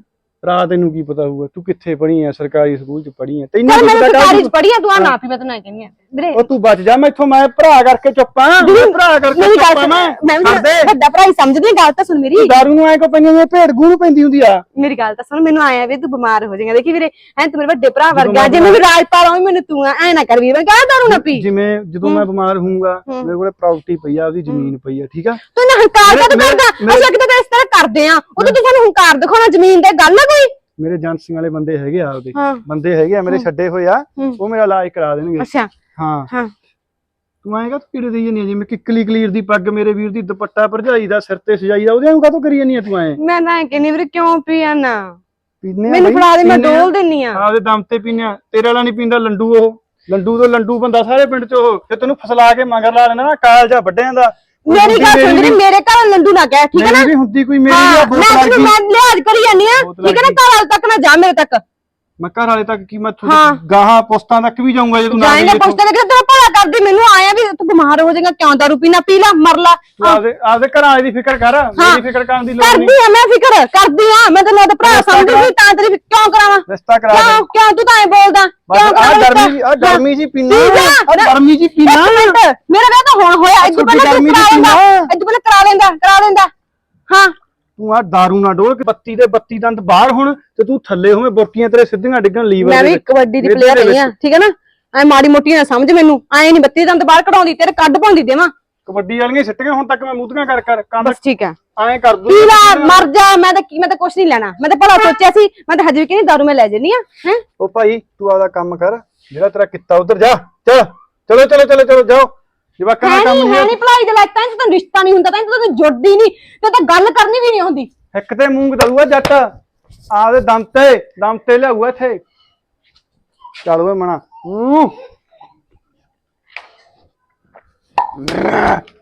ਰਾਹ ਤੈਨੂੰ ਕੀ ਪਤਾ ਹੋਊਗਾ? ਤੂੰ ਕਿੱਥੇ ਪੜ੍ਹੀ ਆ? ਸਰਕਾਰੀ ਸਕੂਲ ਚ ਪੜ੍ਹੀ ਆ? ਤੈਨੂੰ
ਚੱਲ
ਕੀ
ਮੈਂ
ਪਤਾ?
ਸਰਕਾਰੀ ਚ ਪੜ੍ਹੀ ਆ, ਤੂੰ ਆ ਨਾ ਪੀ, ਮੈਂ ਤੈਨੂੰ ਐਂ ਕਹਿੰਦੀ ਆ ਵੀਰੇ।
ਉਹ ਤੂੰ ਬਚ ਜਾ ਮੈਥੋਂ, ਮੈਂ ਭਰਾ ਕਰਕੇ ਚੁੱਪਾਂ, ਭਰਾ ਕਰਕੇ
ਮੇਰੀ ਗੱਲ
ਚੁੱਪਾਂ।
ਸੁਣ, ਮੈਂ ਵੀ
ਛੱਡ ਦੇ।
ਵੱਡਾ ਭਰਾ ਹੀ ਸਮਝਦੀ ਆ। ਗੱਲ ਤਾਂ ਸੁਣ ਮੇਰੀ।
ਦਾਰੂ ਨੂੰ ਐ ਕੋ ਪੈਂਦੀ ਹੁੰਦੀ, ਭੇਡ ਗੂ ਨੂੰ ਪੈਂਦੀ ਹੁੰਦੀ ਆ।
ਮੇਰੀ ਗੱਲ ਤਾਂ ਸੁਣ, ਮੈਨੂੰ ਆਇਆ ਵੀ ਤੂੰ ਬਿਮਾਰ ਹੋ ਜਾਏਗਾ। ਦੇਖੀ ਵੀਰੇ, ਐ ਤੂੰ ਮੇਰੇ ਵੱਡੇ ਭਰਾ ਵਰਗਾ, ਜਿਵੇਂ ਵੀ ਰਾਜਪਾਲ ਹੋਵੇਂ ਮੈਨੂੰ ਤੂੰ ਐ ਨਾ ਕਰ ਵੀਰ, ਮੈਂ ਕਹਾਂ ਦਾਰੂ ਨਾ ਪੀ।
ਜਿਵੇਂ ਜਦੋਂ ਮੈਂ ਬਿਮਾਰ ਹੋਊਂਗਾ, ਮੇਰੇ ਕੋਲੇ ਪ੍ਰਾਪਰਟੀ ਪਈ ਆ, ਉਹਦੀ ਜ਼ਮੀਨ ਪਈ ਆ, ਠੀਕ ਆ।
ਤੂੰ ਨਾ ਹੰਕਾਰ ਕਦ ਕਰਦਾ? ਅਸੀਂ ਕਿਤੇ ਇਸ ਤਰ੍ਹਾਂ ਕਰਦੇ ਆ, ਉਹ ਤੂੰ ਸਾਨੂੰ ਹੰਕਾਰ ਦਿਖਾਉਣਾ ਜ਼ਮੀਨ ਤੇ ਗੱਲ ਆ ਕੋਈ?
ਮੇਰੇ ਏਜੰਸੀਆਂ ਵਾਲੇ ਬੰਦੇ ਹੈਗੇ ਆ, ਉਹਦੇ
ਹਾਂ।
ਬੰਦੇ ਹੈਗੇ ਆ ਮੇਰੇ ਛੱਡੇ ਹੋਏ ਆ, ਉਹ ਮੇਰਾ ਇਲਾਜ ਕਰਾ ਦੇਣਗੇ।
ਅੱਛਾ
ਹਾਂ
ਹਾਂ।
ਤੂੰ ਆਏਗਾ ਤੂੰ ਕਿਹੜੇ ਦੇਈ ਜਾਂਦੀ ਆ? ਜਿਵੇਂ ਕਿੱਕਲੀ ਕਲੀਰ ਦੀ ਪੱਗ ਮੇਰੇ ਵੀਰ ਦੀ, ਦੁਪੱਟਾ ਭਰਜਾਈ ਦਾ ਸਿਰ ਤੇ ਸਜਾਈ ਦਾ, ਉਹਦੇ ਨੂੰ ਕਾਹਤੋਂ ਕਰੀ ਜਾਂਦੀ ਆ ਤੂੰ? ਐ
ਮੈਂ ਤਾਂ ਕਹਿੰਦੀ ਵੀਰੇ, ਕਿਉਂ ਪੀਆ ਨਾ?
ਪੀਨੇ ਆ
ਮੈਨੂੰ
ਬਈ,
ਫੜਾ ਦੇ, ਮੈਂ
ਪੀਨੇ ਆ।
ਡੋਲ ਦਿੰਨੀ ਆ।
ਆਪਦੇ ਦਮ ਤੇ ਪੀਨੇ ਆ। ਤੇਰੇ ਵਾਲਾ ਨਹੀਂ ਪੀਂਦਾ ਲੰਡੂ, ਉਹ ਲੰਡੂ ਤੋਂ ਲੰਡੂ ਬੰਦਾ ਸਾਰੇ ਪਿੰਡ ਚ। ਉਹ ਜੇ ਤੈਨੂੰ ਫਸਲਾ ਕੇ ਮਗਰ ਲਾ ਲੈਂਦਾ ਨਾ, ਕਾਲਜਾ ਵੱਡਿਆਂ ਦਾ।
ਮੇਰੀ ਗੱਲ ਸੁਣ ਵੀਰੇ, ਮੇਰੇ ਘਰ ਲੰਡੂ ਨਾ ਕਹਿ, ਠੀਕ ਹੈ ਨਾ?
ਮੇਰੀ ਵੀ ਹੁੰਦੀ ਕੋਈ, ਮੇਰੀ
ਹਾਂ,
ਵੀ ਆ
ਮੈਂ
ਬੋਤਲ
ਤੈਨੂੰ ਮੈਂ ਲਿਹਾਜ਼ ਕਰੀ ਜਾਂਦੀ ਆ,
ਬੋਤਲ
ਠੀਕ ਹੈ ਨਾ? ਘਰ ਵਾਲੇ ਤੱਕ ਨਾ ਜਾ, ਮੇਰੇ ਤੱਕ।
ਮੈਂ ਘਰ ਵਾਲੇ ਤੱਕ ਕੀ, ਮੈਂ
ਹਾਂ।
ਗਾਹਾਂ ਪੁਸਤਾਂ ਤੱਕ ਵੀ ਜਾਊਂਗਾ ਜੇ ਤੂੰ ਨਾ
ਜਾਏਂਗਾ ਪੁੱਛਦੇ ਲੱਗੇ ਤੇਰਾ ਭਲਾ ਕਰਦੀ। ਮੈਨੂੰ ਆਇਆ ਵੀ ਤੂੰ ਬਿਮਾਰ ਹੋ ਜਾਏਗਾ, ਕਿਉਂ ਦਾਰੂ ਪੀਣਾ? ਪੀ ਲਾ, ਮਰ ਲਾ।
ਆਪਦੇ ਘਰਾਂ ਵਾਲੇ ਦੀ ਫਿਕਰ ਕਰ, ਮੇਰੀ ਫਿਕਰ ਕਰਨ ਦੀ ਲੋੜ ਨਹੀਂ।
ਕਰਦੀ ਆ ਮੈਂ ਫਿਕਰ, ਕਰਦੀ ਆ ਮੈਂ। ਤੈਨੂੰ ਉਹਦਾ ਭਰਾ ਸਮਝਦੀ ਸੀ, ਤਾਂ ਤੇਰੀ ਕਿਉਂ ਕਰਾਵਾਂ?
ਰਿਸ਼ਤਾ ਕਰਾ ਦੇ।
ਕਿਉਂ ਤੂੰ ਤਾਂ ਐ ਬੋਲਦਾ? ਕਿਉਂ
ਆ ਗਰਮੀ ਜੀ ਪੀਣਾ, ਆ ਗਰਮੀ ਜੀ ਪੀਣਾ।
ਮੇਰਾ ਵਿਆਹ ਤਾਂ ਹੁਣ ਹੋਇਆ, ਇਦੋਂ ਪਹਿਲਾਂ ਤੂੰ ਕਰਾ ਲੈਂਦਾ, ਇਦੋਂ ਪਹਿਲਾਂ ਕਰਾ ਲੈਂਦਾ। ਹਾਂ
ਤੂੰ ਆ ਦਾਰੂ ਨਾ ਡੋਲ ਕੇ, 32 ਦੇ 32 ਦੰਦ ਬਾਹਰ ਹੁਣ ਤੇ ਤੂੰ ਥੱਲੇ ਹੋਵੇਂ, ਬੁਰਕੀਆਂ ਤੇਰੇ ਸਿੱਧੀਆਂ ਡਿੱਗਣ ਲੀਵਰ
ਮੈਂ ਵੀ ਕਬੱਡੀ ਦੀ ਪਲੇਅਰ ਰਹੀ ਆ, ਠੀਕ ਹੈ ਨਾ? ਐ ਮਾੜੀ ਮੋਟੀ ਨਾ ਸਮਝ ਮੈਨੂੰ, ਐ ਨਹੀਂ 32 ਦੰਦ ਬਾਹਰ ਕਢਾਉਂਦੀ, ਤੇਰੇ ਕੱਢ ਪਾਉਂਦੀ ਦੇਵਾਂ।
ਕਬੱਡੀ ਵਾਲੀਆਂ ਸਿੱਟੀਆਂ ਹੁਣ ਤੱਕ ਮੈਂ ਮੂਧੀਆਂ ਕਰ ਕੰਡ
ਬਸ ਠੀਕ ਆ,
ਐਂ ਕਰ ਦੂੰ।
ਪੀ ਲਾ, ਮਰ ਜਾ। ਮੈਂ ਤਾਂ ਕੁਛ ਨਹੀਂ ਲੈਣਾ, ਮੈਂ ਤਾਂ ਭਲਾ ਸੋਚਿਆ ਸੀ, ਮੈਂ ਤਾਂ ਹਜੇ ਵੀ ਕਹਿੰਦੀ ਦਾਰੂ ਮੈਂ ਲੈ ਜੰਨੀ ਆ। ਹੈ
ਉਹ ਭਾਈ ਤੂੰ ਆਪਦਾ ਕੰਮ ਕਰ, ਜਿਹੜਾ ਤੇਰਾ ਕੀਤਾ ਉਧਰ ਜਾ। ਚਲੋ ਜਾਓ। ਜਵਾਕਾਂ ਦਾ ਕੰਮ
ਹੈ ਨਹੀਂ ਭਲਾਈ ਦੇ ਲਾਇਕ, ਤਾਂ ਤੈਨੂੰ ਰਿਸ਼ਤਾ ਨਹੀਂ ਹੁੰਦਾ, ਤਾਂ ਤੈਨੂੰ ਜੁੜਦੀ ਨਹੀਂ, ਤੇ ਤਾਂ ਗੱਲ ਕਰਨੀ ਵੀ ਨਹੀਂ ਹੁੰਦੀ।
ਇੱਕ ਤੇ ਮੂੰਗ ਦਊਗਾ ਜੱਟ, ਆਪਦੇ ਦਮ ਤੇ ਲਿਆਊਗਾ ਇੱਥੇ। ਚੱਲ ਓਏ ਮਣਾ।